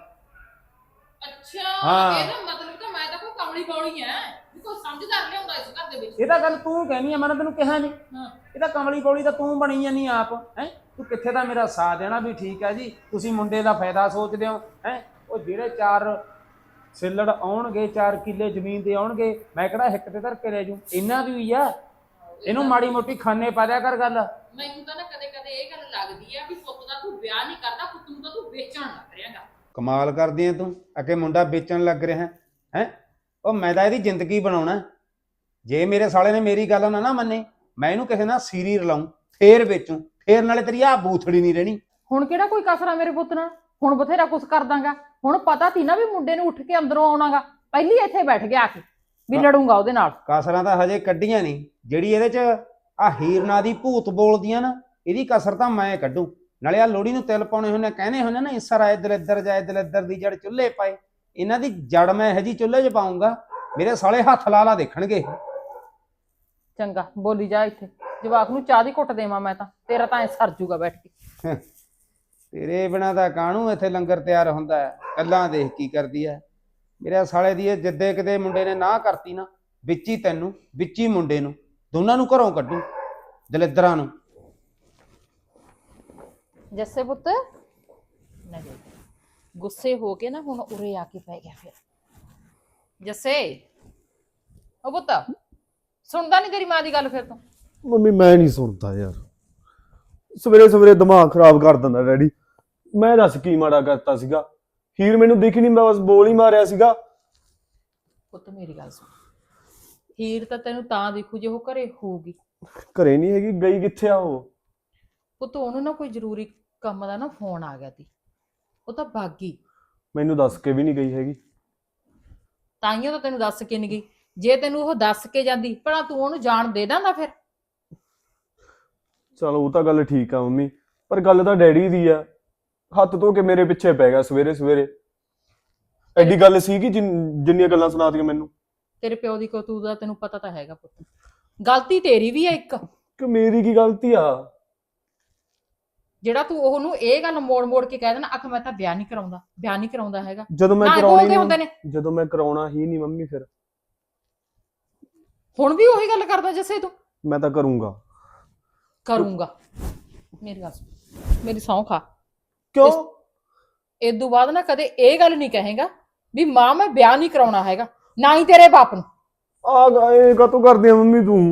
S2: ਅੱਛਾ, ਇਹਦਾ ਮਤਲਬ ਤਾਂ ਮੈਂ ਤਾਂ ਕੋਈ ਕਮਲੀ ਬੌਲੀ ਐ, ਵੀ ਕੋਈ ਸਮਝਦਾਰ ਲਿਆਉਂਦਾ ਇਸ ਘਰ ਦੇ ਵਿੱਚ।
S1: ਇਹ ਤਾਂ ਗੱਲ ਤੂੰ ਕਹਿਨੀ ਆ, ਮੈਂ ਤੈਨੂੰ ਕਿਹਾ ਨਹੀਂ। ਇਹ ਤਾਂ ਕਮਲੀ ਬੌਲੀ ਤਾਂ ਤੂੰ ਬਣੀ ਜਾਨੀ ਆਪ ਹੈ। ਤੂੰ ਕਿੱਥੇ ਦਾ ਮੇਰਾ ਸਾਥ ਦੇਣਾ ਵੀ ਠੀਕ ਹੈ ਜੀ, ਤੁਸੀਂ ਮੁੰਡੇ ਦਾ ਫਾਇਦਾ ਸੋਚਦੇ ਹੋ ਹੈ। ਉਹ ਜਿਹੜੇ 4 ਸਿੱਲੜ ਆਉਣਗੇ, 4 ਕਿੱਲੇ ਜ਼ਮੀਨ ਦੇ ਆਉਣਗੇ, ਮੈਂ ਕਿਹੜਾ ਹਿੱਕ ਤੇ ਧਰ ਕੇ ਲੈ ਜੂ? ਇਹਨਾਂ ਦੀ ਹੀ ਆ। ਇਹਨੂੰ ਮਾੜੀ ਮੋਟੀ ਖਾਨੇ ਪਾ ਦਿਆ ਕਰ ਗੱਲ।
S2: ਮੈਨੂੰ ਤਾਂ ਨਾ ਕਦੇ ਕਦੇ ਇਹ ਗੱਲ ਲੱਗਦੀ ਆ ਵੀ ਪੁੱਤ ਦਾ ਤੂੰ ਵਿਆਹ ਨਹੀਂ ਕਰਦਾ, ਪੁੱਤ ਨੂੰ ਤਾਂ ਤੂੰ ਵੇਚਣ ਲੱਗ ਰਿਹਾਗਾ।
S1: ਕਮਾਲ ਕਰਦੀ ਐ ਤੂੰ, ਅੱਗੇ ਮੁੰਡਾ ਵੇਚਣ ਲੱਗ ਰਿਹਾ ਹੈ। ਉਹ ਮੈਂ ਤਾਂ ਇਹਦੀ ਜ਼ਿੰਦਗੀ ਬਣਾਉਣਾ। ਜੇ ਮੇਰੇ ਸਾਲੇ ਨੇ ਮੇਰੀ ਗੱਲ ਨਾ ਮੰਨੇ, ਮੈਂ ਇਹਨੂੰ ਕਿਸੇ ਨਾਲ ਸੀਰੀ ਰਲਾਉਂ, ਫੇਰ ਵੇਚੂ, ਫੇਰ ਨਾਲੇ ਤੇਰੀ ਆ ਬੂਥੜੀ ਨਹੀਂ ਰਹਿਣੀ।
S2: ਹੁਣ ਕਿਹੜਾ ਕੋਈ ਕਸਰਾ ਮੇਰੇ ਪੁੱਤ ਨਾਲ? ਹੁਣ ਬਥੇਰਾ ਕੁਛ ਕਰ ਦਾਂਗਾ। ਹੁਣ ਪਤਾ ਸੀ ਨਾ ਵੀ ਮੁੰਡੇ ਨੂੰ ਉੱਠ ਕੇ ਅੰਦਰੋਂ ਆਉਣਾਗਾ, ਪਹਿਲੀ ਇੱਥੇ ਬੈਠ ਗਿਆ ਆ ਕੇ ਵੀ ਲੜੂੰਗਾ ਉਹਦੇ ਨਾਲ।
S1: ਕਸਰਾਂ ਤਾਂ ਹਜੇ ਕੱਢੀਆਂ ਨਹੀਂ। ਜਿਹੜੀ ਇਹਦੇ 'ਚ ਆ ਹੀਰ ਨਾਂ ਦੀ ਭੂਤ ਬੋਲਦੀਆਂ ਨਾ, ਇਹਦੀ ਕਸਰ ਤਾਂ ਮੈਂ ਕੱਢੂ। ਨਾਲੇ ਆ ਲੋਹੜੀ ਨੂੰ ਤਿਲ ਪਾਉਣੇ ਹੁੰਦੇ ਕਹਿੰਦੇ ਹੁੰਦੇ ਨਾ ਇਸਰ ਆਏ ਦਲਿੱਦਰ ਜਾਏ ਦਲਿੱਦਰ ਦੀ ਜੜ ਚੁੱਲ੍ਹੇ ਪਾਏ। ਇਹਨਾਂ ਦੀ ਜੜ ਮੈਂ ਇਹੋ ਜਿਹੀ ਚੁੱਲ੍ਹੇ 'ਚ ਪਾਉਂਗਾ ਮੇਰੇ ਸਾਲੇ ਹੱਥ ਲਾ ਲਾ ਦੇਖਣਗੇ।
S2: ਚੰਗਾ ਬੋਲੀ ਜਾ ਇੱਥੇ, ਜਵਾਕ ਨੂੰ ਚਾਹ ਦੀ ਘੁੱਟ ਦੇਵਾਂ ਮੈਂ ਤਾਂ, ਤੇਰਾ ਤਾਂ ਐ ਸਰ ਜੂਗਾ ਬੈਠ ਕੇ।
S1: ਤੇਰੇ ਬਿਨਾਂ ਤਾਂ ਕਾਹਨੂੰ ਇੱਥੇ ਲੰਗਰ ਤਿਆਰ ਹੁੰਦਾ ਹੈ, ਕੱਲਾਂ ਦੇਖ ਕੀ ਕਰਦੀ ਹੈ ਮੇਰੇ ਸਾਲੇ ਦੀ। ਇਹ ਜਿੱਦੇ ਕਿਤੇ ਮੁੰਡੇ ਨੇ ਨਾ ਕਰਤੀ ਨਾ, ਵਿੱਚ ਹੀ ਤੈਨੂੰ ਵਿੱਚ ਹੀ ਮੁੰਡੇ ਨੂੰ ਦੋਨਾਂ ਨੂੰ ਘਰੋਂ ਕੱਢੂ ਦਲਿੱਦਰਾਂ ਨੂੰ।
S2: ਜੱਸੇ ਪੁੱਤ ਨਾ ਦੇ, ਗੁੱਸੇ ਹੋ ਕੇ ਨਾ ਹੁਣ ਉਰੇ ਆ ਕੇ ਪੈ ਗਿਆ ਫਿਰ। ਜੱਸੇ ਉਹ ਪੁੱਤ ਸੁਣਦਾ ਨਹੀਂ ਤੇਰੀ ਮਾਂ ਦੀ ਗੱਲ ਫਿਰ ਤੂੰ?
S4: ਮੰਮੀ ਮੈਂ ਨਹੀਂ ਸੁਣਦਾ ਯਾਰ, ਸਵੇਰੇ ਸਵੇਰੇ ਦਿਮਾਗ ਖਰਾਬ ਕਰ ਦਿੰਦਾ ਡੈਡੀ। ਮੈਂ ਦੱਸ ਕੀ ਮਾੜਾ ਕਰਤਾ ਸੀਗਾ? ਹੀਰ ਮੈਨੂੰ ਦਿਖੀ ਨਹੀਂ, ਮੈਂ ਬਸ ਬੋਲ ਹੀ ਮਾਰਿਆ ਸੀਗਾ।
S2: ਪੁੱਤ ਮੇਰੀ ਗੱਲ ਸੁਣ, ਹੀਰ ਤਾਂ ਤੈਨੂੰ ਤਾਂ ਦਿਖੂ ਜੇ ਉਹ ਘਰੇ ਹੋਊਗੀ।
S4: ਘਰੇ ਨਹੀਂ ਹੈਗੀ, ਗਈ ਕਿੱਥੇ ਆ ਉਹ?
S2: ਪੁੱਤ ਉਹਨੂੰ ਨਾ ਕੋਈ ਜ਼ਰੂਰੀ ਕੰਮ ਦਾ ਨਾ ਫੋਨ ਆ ਗਿਆ ਤੀ, ਉਹ ਤਾਂ ਭਾਗੀ।
S4: ਮੈਨੂੰ ਦੱਸ ਕੇ ਵੀ ਨਹੀਂ ਗਈ ਹੈਗੀ।
S2: ਤਾਈਓ ਤਾਂ ਤੈਨੂੰ ਦੱਸ ਕੇ ਨਹੀਂ ਗਈ। ਜੇ ਤੈਨੂੰ ਉਹ ਦੱਸ ਕੇ ਜਾਂਦੀ ਭਲਾ ਤੂੰ ਉਹਨੂੰ ਜਾਣ ਦੇ ਦਿੰਦਾ ਫਿਰ?
S4: ਚਲੋ ਉਹ ਤਾਂ ਗੱਲ ਠੀਕ ਆ ਮੰਮੀ, ਪਰ ਗੱਲ ਤਾਂ ਡੈਡੀ ਦੀ ਆ। ਹੱਥ ਧੋ ਕੇ ਮੇਰੇ ਪਿੱਛੇ ਪੈ ਗਿਆ ਸਵੇਰੇ ਸਵੇਰੇ। ਐਡੀ ਗੱਲ ਸੀ ਕਿ ਜਿੰਨੀਆਂ ਗੱਲਾਂ ਸੁਣਾਤੀਆਂ ਮੈਨੂੰ।
S2: ਤੇਰੇ ਪਿਓ ਦੀ ਕਰਤੂਤ ਦਾ ਤੈਨੂੰ ਪਤਾ ਤਾਂ ਹੈਗਾ ਪੁੱਤ, ਗਲਤੀ ਤੇਰੀ ਵੀ ਹੈ ਇੱਕ।
S4: ਕਿ ਮੇਰੀ ਕੀ ਗਲਤੀ ਆ?
S2: ਜਿਹੜਾ ਤੂੰ ਉਹਨੂੰ ਇਹ ਗੱਲ ਮੋੜ ਮੋੜ ਕੇ ਕਹਿ ਦੇਣਾ ਅਖ ਮੈਂ ਤਾਂ ਵਿਆਹ ਨਹੀਂ ਕਰਾਉਂਦਾ ਹੈਗਾ।
S4: ਜਦੋਂ ਮੈਂ
S2: ਨਾ
S4: ਕਰਾਉਣੀ
S2: ਬੋਲਦੇ ਹੁੰਦੇ ਨੇ।
S4: ਜਦੋਂ ਮੈਂ ਕਰਾਉਣਾ ਹੀ ਨਹੀਂ ਮੰਮੀ, ਫਿਰ
S2: ਹੁਣ ਵੀ ਉਹੀ ਗੱਲ ਕਰਦਾ ਜੱਸੇ ਤੂੰ?
S4: ਮੈਂ ਤਾਂ ਕਰੂੰਗਾ।
S2: ਮੇਰੀ ਗੱਲ ਸੁਣ, ਮੇਰੀ ਸਹੁੰ ਖਾ।
S4: ਕਿਉਂ?
S2: ਇਦੋਂ ਬਾਅਦ ਨਾ ਕਦੇ ਇਹ ਗੱਲ ਨਹੀਂ ਕਹੇਗਾ ਵੀ ਮਾਂ ਮੈਂ ਵਿਆਹ ਨਹੀਂ ਕਰਾਉਣਾ ਹੈਗਾ, ਨਾ ਹੀ ਤੇਰੇ ਬਾਪ ਨੂੰ।
S4: ਆ ਗਏ ਕਾਤੋਂ ਕਰਦੀ ਆ ਮੰਮੀ ਤੂੰ?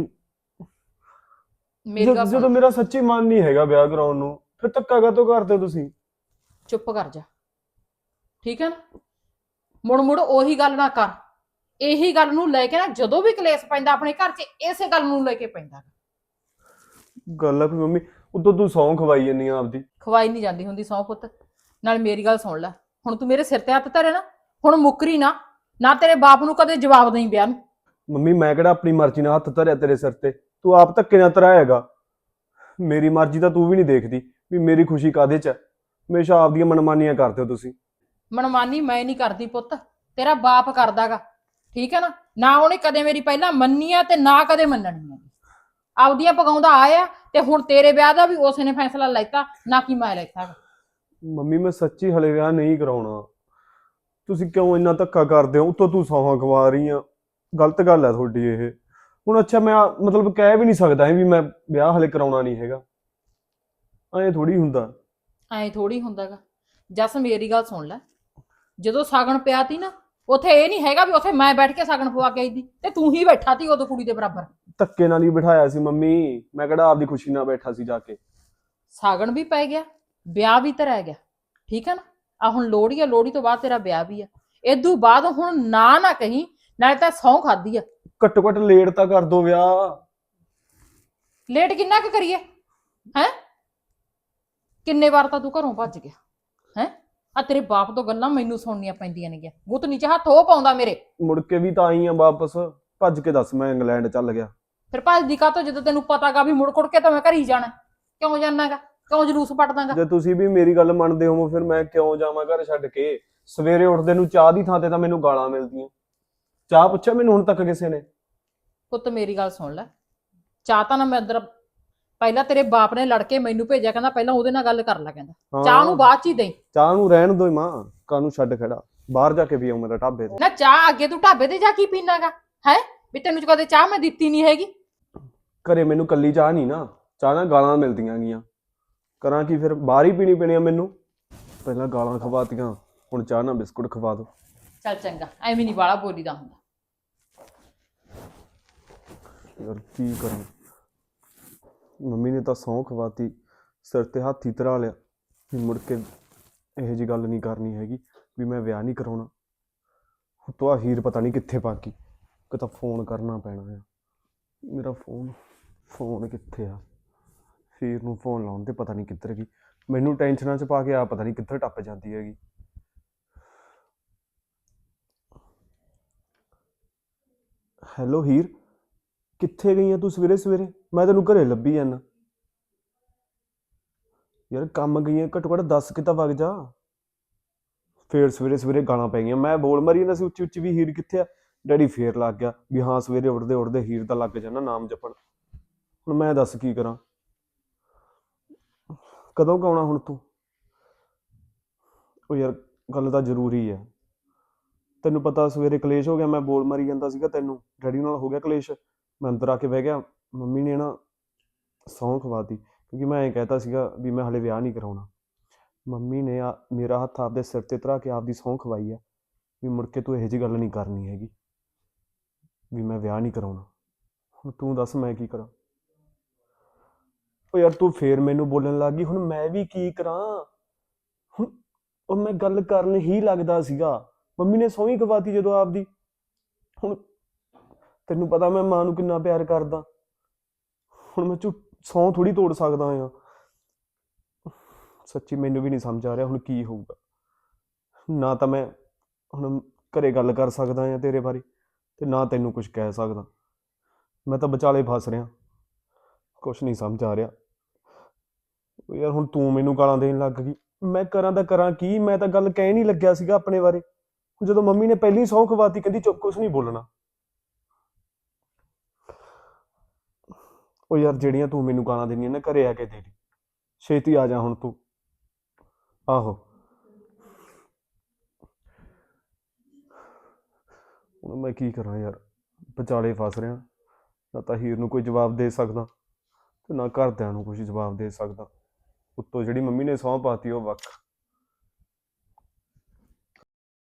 S2: ਮੇਰੀ ਗੱਲ
S4: ਜਦੋਂ
S2: ਸੁਣ,
S4: ਮੇਰਾ ਸੱਚੀ ਮਨ ਨਹੀਂ ਹੈਗਾ ਵਿਆਹ ਕਰਾਉਣ ਨੂੰ, ਫਿਰ ਧੱਕਾ ਕਾਤੋਂ ਕਰਦੇ ਹੋ ਤੁਸੀਂ?
S2: ਚੁੱਪ ਕਰ ਜਾ, ਠੀਕ ਹੈ ਨਾ? ਮੁੜ ਮੁੜ ਉਹੀ ਗੱਲ ਨਾ ਕਰ। ਇਹੀ ਗੱਲ ਨੂੰ ਲੈ ਕੇ ਨਾ ਜਦੋਂ ਵੀ ਕਲੇਸ਼ ਪੈਂਦਾ ਆਪਣੇ ਘਰ 'ਚ, ਇਸੇ ਗੱਲ ਨੂੰ ਲੈ ਕੇ ਪੈਂਦਾ।
S4: ਗੱਲ ਆ ਵੀ ਮੰਮੀ, ਉਦੋਂ ਤੂੰ ਸੌਂ ਖਵਾਈ ਜੰਨੀ ਆ ਆਪਦੀ।
S2: ਖਵਾਈ ਨਹੀਂ ਜਾਂਦੀ ਹੁੰਦੀ ਸਹੁੰ ਪੁੱਤ। ਨਾਲ ਮੇਰੀ ਗੱਲ ਸੁਣ ਲੈ, ਹੁਣ ਤੂੰ ਮੇਰੇ ਸਿਰ ਤੇ ਹੱਥ ਧਰੇ ਨਾ, ਹੁਣ ਮੁੱਕਰੀ ਨਾ ਤੇਰੇ ਬਾਪ ਨੂੰ ਕਦੇ ਜਵਾਬ ਦੇਈਂ ਵਿਆਹ ਨੂੰ।
S4: ਮੰਮੀ ਮੈਂ ਕਿਹੜਾ ਆਪਣੀ ਮਰਜ਼ੀ ਨਾਲ ਹੱਥ ਧਰਿਆ ਤੇਰੇ ਸਿਰ ਤੇ? ਤੂੰ ਆਪ ਧੱਕੇ ਨਾਲ ਧਰਾਏਗਾ। ਮੇਰੀ ਮਰਜ਼ੀ ਤਾਂ ਤੂੰ ਵੀ ਨਹੀਂ ਦੇਖਦੀ ਵੀ ਮੇਰੀ ਖੁਸ਼ੀ ਕਾਹਦੇ 'ਚ ਹੈ। ਹਮੇਸ਼ਾ ਆਪਦੀਆਂ ਮਨਮਾਨੀਆਂ ਕਰਦੇ ਹੋ ਤੁਸੀਂ।
S2: ਮਨਮਾਨੀ ਮੈਂ ਨਹੀਂ ਕਰਦੀ ਪੁੱਤ, ਤੇਰਾ ਬਾਪ ਕਰਦਾਗਾ, ਠੀਕ ਹੈ ਨਾ ਉਹਨੇ ਕਦੇ ਮੇਰੀ ਪਹਿਲਾਂ ਮੰਨੀ ਆ ਤੇ ਨਾ ਕਦੇ ਮੰਨਣੀ ਆ। ਆਪਦੀਆਂ ਪਕਾਉਂਦਾ ਆਇਆ ਤੇ ਹੁਣ ਤੇਰੇ ਵਿਆਹ ਦਾ ਵੀ ਉਸੇ ਨੇ ਫੈਸਲਾ ਲੈਤਾ, ਨਾ ਕਿ ਮੈਂ ਲੈਤਾ।
S4: ਮੰਮੀ ਮੈਂ ਸੱਚੀ ਹਲੇ ਵਿਆਹ ਨਹੀਂ ਕਰਾਉਣਾ। ਤੁਸੀਂ ਕਿਉਂ ਇੰਨਾ ਧੱਕਾ ਕਰਦੇ ਹੋ? ਉੱਤੋਂ ਤੂੰ ਸੌਹਾਂ ਖਵਾ ਰਹੀ ਆ। ਗਲਤ ਗੱਲ ਹੈ ਤੁਹਾਡੀ ਇਹ। ਹੁਣ ਅੱਛਾ ਮੈਂ ਮਤਲਬ ਕਹਿ ਵੀ ਨਹੀਂ ਸਕਦਾ ਵੀ ਮੈਂ ਵਿਆਹ ਹਲੇ ਕਰਾਉਣਾ ਨਹੀਂ ਹੈਗਾ। ਐਂ ਥੋੜੀ ਹੁੰਦਾਗਾ। ਜਸ ਮੇਰੀ ਗੱਲ ਸੁਣ ਲੈ, ਜਦੋਂ ਸਾਗਣ ਪਿਆ ਤੀ ਨਾ, ਉੱਥੇ ਇਹ ਨਹੀਂ ਹੈਗਾ ਵੀ ਉੱਥੇ ਮੈਂ ਬੈਠ ਕੇ ਸਾਗਣ ਪਵਾ ਕੇ ਆਈ ਦੀ ਤੇ ਤੂੰ ਹੀ ਬੈਠਾ ਤੀ ਉਦੋਂ ਕੁੜੀ ਦੇ ਬਰਾਬਰ। ਧੱਕੇ ਨਾਲ ਹੀ ਬਿਠਾਇਆ ਸੀ ਮੰਮੀ, ਮੈਂ ਕਿਹੜਾ ਆਪਦੀ ਖੁਸ਼ੀ ਨਾਲ ਬੈਠਾ ਸੀ ਜਾ ਕੇ।
S2: ਸਾਗਣ ਵੀ ਪੈ ਗਿਆ, ਵਿਆਹ ਵੀ ਧਰਿਆ ਗਿਆ, ਠੀਕ ਹੈ ਨਾ? ਆ ਹੁਣ ਲੋਹੜੀ ਆ, ਲੋਹੜੀ ਤੋਂ ਬਾਅਦ ਤੇਰਾ ਵਿਆਹ ਵੀ ਆ। ਇਦੋਂ ਬਾਅਦ ਹੁਣ ਨਾ ਕਹੀਂ, ਨਾਲੇ ਤਾਂ ਸਹੁੰ ਖਾਦੀ ਆ।
S4: ਘੱਟੋ ਘੱਟ ਲੇਟ ਤਾਂ ਕਰ ਦੋ ਵਿਆਹ।
S2: ਲੇਟ ਕਿੰਨਾ ਕੁ ਕਰੀਏ ਹੈ? ਕਿੰਨੇ ਵਾਰ ਤਾਂ ਤੂੰ ਘਰੋਂ ਭੱਜ ਗਿਆ ਹੈ? ਆ ਤੇਰੇ ਬਾਪ ਤੋਂ ਗੱਲਾਂ ਮੈਨੂੰ ਸੁਣਨੀਆਂ ਪੈਂਦੀਆਂ ਨੇਗੀਆਂ। ਗੁੱਤ ਨੀਚੇ ਹੱਥ ਉਹ ਪਾਉਂਦਾ ਮੇਰੇ।
S4: ਮੁੜ ਕੇ ਵੀ ਤਾਂ ਆਈ ਆ ਵਾਪਸ। ਭੱਜ ਕੇ ਦੱਸ ਮੈਂ ਇੰਗਲੈਂਡ ਚੱਲ ਗਿਆ।
S2: ਫਿਰ ਭੱਜਦੀ ਕਾਹਤੋਂ ਜਦੋਂ ਤੈਨੂੰ ਪਤਾਗਾ ਵੀ ਮੁੜ ਕੁੜ ਕੇ ਤਾਂ ਮੈਂ ਘਰ ਹੀ ਜਾਣਾ? ਕਿਉਂ ਜਾਣਾਗਾ? ਕਿਉਂ ਜਲੂਸ ਪੱਟਦਾਗਾ?
S4: ਜੇ ਤੁਸੀਂ ਵੀ ਮੇਰੀ ਗੱਲ ਮੰਨਦੇ ਹੋ ਫਿਰ ਮੈਂ ਕਿਉਂ ਜਾਵਾਂ ਘਰ ਛੱਡ ਕੇ? ਸਵੇਰੇ ਉੱਠਦੇ ਨੂੰ ਚਾਹ ਦੀ ਥਾਂ ਤੇ ਤਾਂ ਮੈਨੂੰ ਗਾਲਾਂ ਮਿਲਦੀਆਂ। ਚਾਹ ਪੁੱਛਿਆ ਮੈਨੂੰ ਹੁਣ ਤੱਕ ਕਿਸੇ ਨੇ?
S2: ਪੁੱਤ ਮੇਰੀ ਗੱਲ ਸੁਣ ਲੈ, ਚਾਹ ਤਾਂ ਨਾ ਮੈਂ ਅੰਦਰ ਪਹਿਲਾਂ ਤੇਰੇ ਬਾਪ ਨੇ ਲੜ ਕੇ ਮੈਨੂੰ ਭੇਜਿਆ, ਕਹਿੰਦਾ ਪਹਿਲਾਂ ਉਹਦੇ ਨਾਲ ਗੱਲ ਕਰ ਲੈ, ਕਹਿੰਦਾ ਚਾਹ ਨੂੰ ਬਾਅਦ ਚ ਹੀ ਦੇਈ।
S4: ਚਾਹ ਨੂੰ ਰਹਿਣ ਦੋ ਮਾਂ, ਕਾਹਨੂੰ ਛੱਡ ਖੜਾ? ਬਾਹਰ ਜਾ ਕੇ ਪੀਉ ਮੇਰਾ ਢਾਬੇ ਤੇ।
S2: ਨਾ ਚਾਹ ਅੱਗੇ ਤੂੰ ਢਾਬੇ ਤੇ ਜਾ ਕੇ ਪੀਣਾਗਾ ਹੈ? ਵੀ ਤੈਨੂੰ ਕਦੇ ਚਾਹ ਮੈਂ ਦਿੱਤੀ ਨਹੀਂ ਹੈਗੀ?
S4: ਘਰੇ ਮੈਨੂੰ ਕੱਲੀ ਚਾਹ ਨਹੀਂ ਨਾ, ਚਾਹ ਨਾਲ ਗਾਲਾਂ ਮਿਲਦੀਆਂ ਗੀਆਂ। ਕਰਾਂ ਕੀ ਫਿਰ? ਬਾਹਰ ਹੀ ਪੀਣੀ ਪੈਣੀ ਆ ਮੈਨੂੰ। ਪਹਿਲਾਂ ਗਾਲਾਂ ਖਵਾਤੀਆਂ, ਹੁਣ ਚਾਹ ਨਾਲ ਬਿਸਕੁਟ ਖਵਾ ਦੋ।
S2: ਚੱਲ ਚੰਗਾ, ਐਵੇਂ ਨਹੀਂ ਬਾਲਾ ਬੋਲੀਦਾ ਹੁੰਦਾ।
S4: ਯਾਰ ਕੀ ਕਰਾਂ? ਮੰਮੀ ਨੇ ਤਾਂ ਸਹੁੰ ਖਵਾਤੀ, ਸਿਰ ਤੇ ਹੱਥ ਹੀ ਧਰਾ ਲਿਆ ਵੀ ਮੁੜ ਕੇ ਇਹੋ ਜਿਹੀ ਗੱਲ ਨਹੀਂ ਕਰਨੀ ਹੈਗੀ ਵੀ ਮੈਂ ਵਿਆਹ ਨਹੀਂ ਕਰਾਉਣਾ। ਤੋਂ ਆ ਹੀਰ ਪਤਾ ਨਹੀਂ ਕਿੱਥੇ ਪਾ ਗਈ। ਕਿ ਤਾਂ ਫੋਨ ਕਰਨਾ ਪੈਣਾ ਆ। ਮੇਰਾ ਫੋਨ ਕਿੱਥੇ ਆ? ਹੀਰ ਨੂੰ ਫੋਨ ਲਾਉਣ ਤੇ ਪਤਾ ਨਹੀਂ ਕਿੱਧਰ ਗਈ। ਮੈਨੂੰ ਟੈਨਸ਼ਨਾਂ 'ਚ ਪਾ ਕੇ ਆ ਪਤਾ ਨਹੀਂ ਕਿੱਧਰ ਟੱਪ ਜਾਂਦੀ ਹੈਗੀ। ਹੈਲੋ ਹੀਰ, ਕਿੱਥੇ ਗਈ ਆ ਤੂੰ ਸਵੇਰੇ ਸਵੇਰੇ? ਮੈਂ ਤੈਨੂੰ ਘਰੇ ਲੱਭੀ ਜਾਂਦਾ। ਯਾਰ ਕੰਮ ਗਈਆਂ ਘੱਟੋ ਘੱਟ 10 ਕਿ ਤਾਂ ਵਗ ਜਾ। ਫੇਰ ਸਵੇਰੇ ਸਵੇਰੇ ਗਾਲਾਂ ਪੈ ਗਈਆਂ। ਮੈਂ ਬੋਲ ਮਾਰੀ ਜਾਂਦਾ ਸੀ ਉੱਚੀ ਉੱਚੀ ਵੀ ਹੀਰ ਕਿੱਥੇ ਆ। ਡੈਡੀ ਫੇਰ ਲੱਗ ਗਿਆ ਵੀ ਹਾਂ ਸਵੇਰੇ ਉੱਠਦੇ ਉੱਠਦੇ ਹੀਰ ਦਾ ਲੱਗ ਜਾਣਾ ਨਾਮ ਜਪਣ। ਹੁਣ ਮੈਂ ਦੱਸ ਕੀ ਕਰਾਂ। ਕਦੋਂ ਕੁ ਆਉਣਾ ਹੁਣ ਤੂੰ? ਉਹ ਯਾਰ ਗੱਲ ਤਾਂ ਜ਼ਰੂਰੀ ਹੈ। ਤੈਨੂੰ ਪਤਾ ਸਵੇਰੇ ਕਲੇਸ਼ ਹੋ ਗਿਆ, ਮੈਂ ਬੋਲ ਮਾਰੀ ਜਾਂਦਾ ਸੀਗਾ ਤੈਨੂੰ, ਡੈਡੀ ਨਾਲ ਹੋ ਗਿਆ ਕਲੇਸ਼। ਮੈਂ ਅੰਦਰ ਆ ਕੇ ਬਹਿ ਗਿਆ। ਮੰਮੀ ਨੇ ਨਾ ਸਹੁੰ ਖਵਾਤੀ ਕਿਉਂਕਿ ਮੈਂ ਐਂ ਕਹਿਤਾ ਸੀਗਾ ਵੀ ਮੈਂ ਹਲੇ ਵਿਆਹ ਨਹੀਂ ਕਰਾਉਣਾ। ਮੰਮੀ ਨੇ ਮੇਰਾ ਹੱਥ ਆਪਦੇ ਸਿਰ ਤੇ ਧਰਾ ਕੇ ਆਪਦੀ ਸਹੁੰ ਖਵਾਈ ਆ ਵੀ ਮੁੜ ਕੇ ਤੂੰ ਇਹੋ ਜਿਹੀ ਗੱਲ ਨਹੀਂ ਕਰਨੀ ਹੈਗੀ, ਵੀ ਮੈਂ ਵਿਆਹ ਨਹੀਂ ਕਰਾਉਣਾ। ਹੁਣ ਤੂੰ ਦੱਸ ਮੈਂ ਕੀ ਕਰਾਂ? ਉਹ ਯਾਰ ਤੂੰ ਫੇਰ ਮੈਨੂੰ ਬੋਲਣ ਲੱਗ ਗਈ। ਹੁਣ ਮੈਂ ਵੀ ਕੀ ਕਰਾਂ? ਹੁਣ ਉਹ ਮੈਂ ਗੱਲ ਕਰਨ ਹੀ ਲੱਗਦਾ ਸੀਗਾ, ਮੰਮੀ ਨੇ ਸਹੁੰ ਹੀ ਖਵਾਤੀ ਜਦੋਂ ਆਪਦੀ। ਹੁਣ ਤੈਨੂੰ ਪਤਾ ਮੈਂ ਮਾਂ ਨੂੰ ਕਿੰਨਾ ਪਿਆਰ ਕਰਦਾ। ਹੁਣ ਮੈਂ ਸਹੁੰ ਥੋੜੀ ਤੋੜ ਸਕਦਾ ਆ। ਸੱਚੀ ਮੈਨੂੰ ਵੀ ਨਹੀਂ ਸਮਝ ਆ ਰਿਹਾ ਹੁਣ ਕੀ ਹੋਊਗਾ। ਨਾ ਤਾਂ ਮੈਂ ਹੁਣ ਘਰੇ ਗੱਲ ਕਰ ਸਕਦਾ ਆ ਤੇਰੇ ਬਾਰੇ, ਤੇ ਨਾ ਤੈਨੂੰ ਕੁਝ ਕਹਿ ਸਕਦਾ। ਮੈਂ ਤਾਂ ਵਿਚਾਲੇ ਫਸ ਰਿਹਾ, ਕੁਛ ਨਹੀਂ ਸਮਝ ਆ ਰਿਹਾ। ਯਾਰ ਹੁਣ ਤੂੰ ਮੈਨੂੰ ਗਾਲਾਂ ਦੇਣ ਲੱਗ ਗਈ, ਮੈਂ ਕਰਾਂ ਤਾਂ ਕਰਾਂ ਕੀ? ਮੈਂ ਤਾਂ ਗੱਲ ਕਹਿ ਨਹੀਂ ਲੱਗਿਆ ਸੀਗਾ ਆਪਣੇ ਬਾਰੇ। ਜਦੋਂ ਮੰਮੀ ਨੇ ਪਹਿਲੀ ਸਹੁੰ ਖਵਾਤੀ ਕਹਿੰਦੀ ਚੁੱਪ, ਕੁਛ ਨਹੀਂ ਬੋਲਣਾ। ਉਹ ਯਾਰ ਜਿਹੜੀਆਂ ਤੂੰ ਮੈਨੂੰ ਗਾਲਾਂ ਦੇਣੀਆਂ ਨਾ ਘਰੇ ਆ ਕੇ ਦੇ ਦੀ, ਛੇਤੀ ਆ ਜਾ ਹੁਣ ਤੂੰ। ਆਹੋ ਹੁਣ ਮੈਂ ਕੀ ਕਰਾਂ ਯਾਰ, ਵਿਚਾਲੇ ਫਸ ਰਿਹਾ। ਨਾ ਤਾਂ ਹੀਰ ਨੂੰ ਕੋਈ ਜਵਾਬ ਦੇ ਸਕਦਾ ਤੇ ਨਾ ਘਰਦਿਆਂ ਨੂੰ ਕੁਝ ਜਵਾਬ ਦੇ ਸਕਦਾ। ਉੱਤੋਂ ਜਿਹੜੀ ਮੰਮੀ ਨੇ ਸਹੁੰ ਪਾਤੀ ਉਹ ਵੱਖ।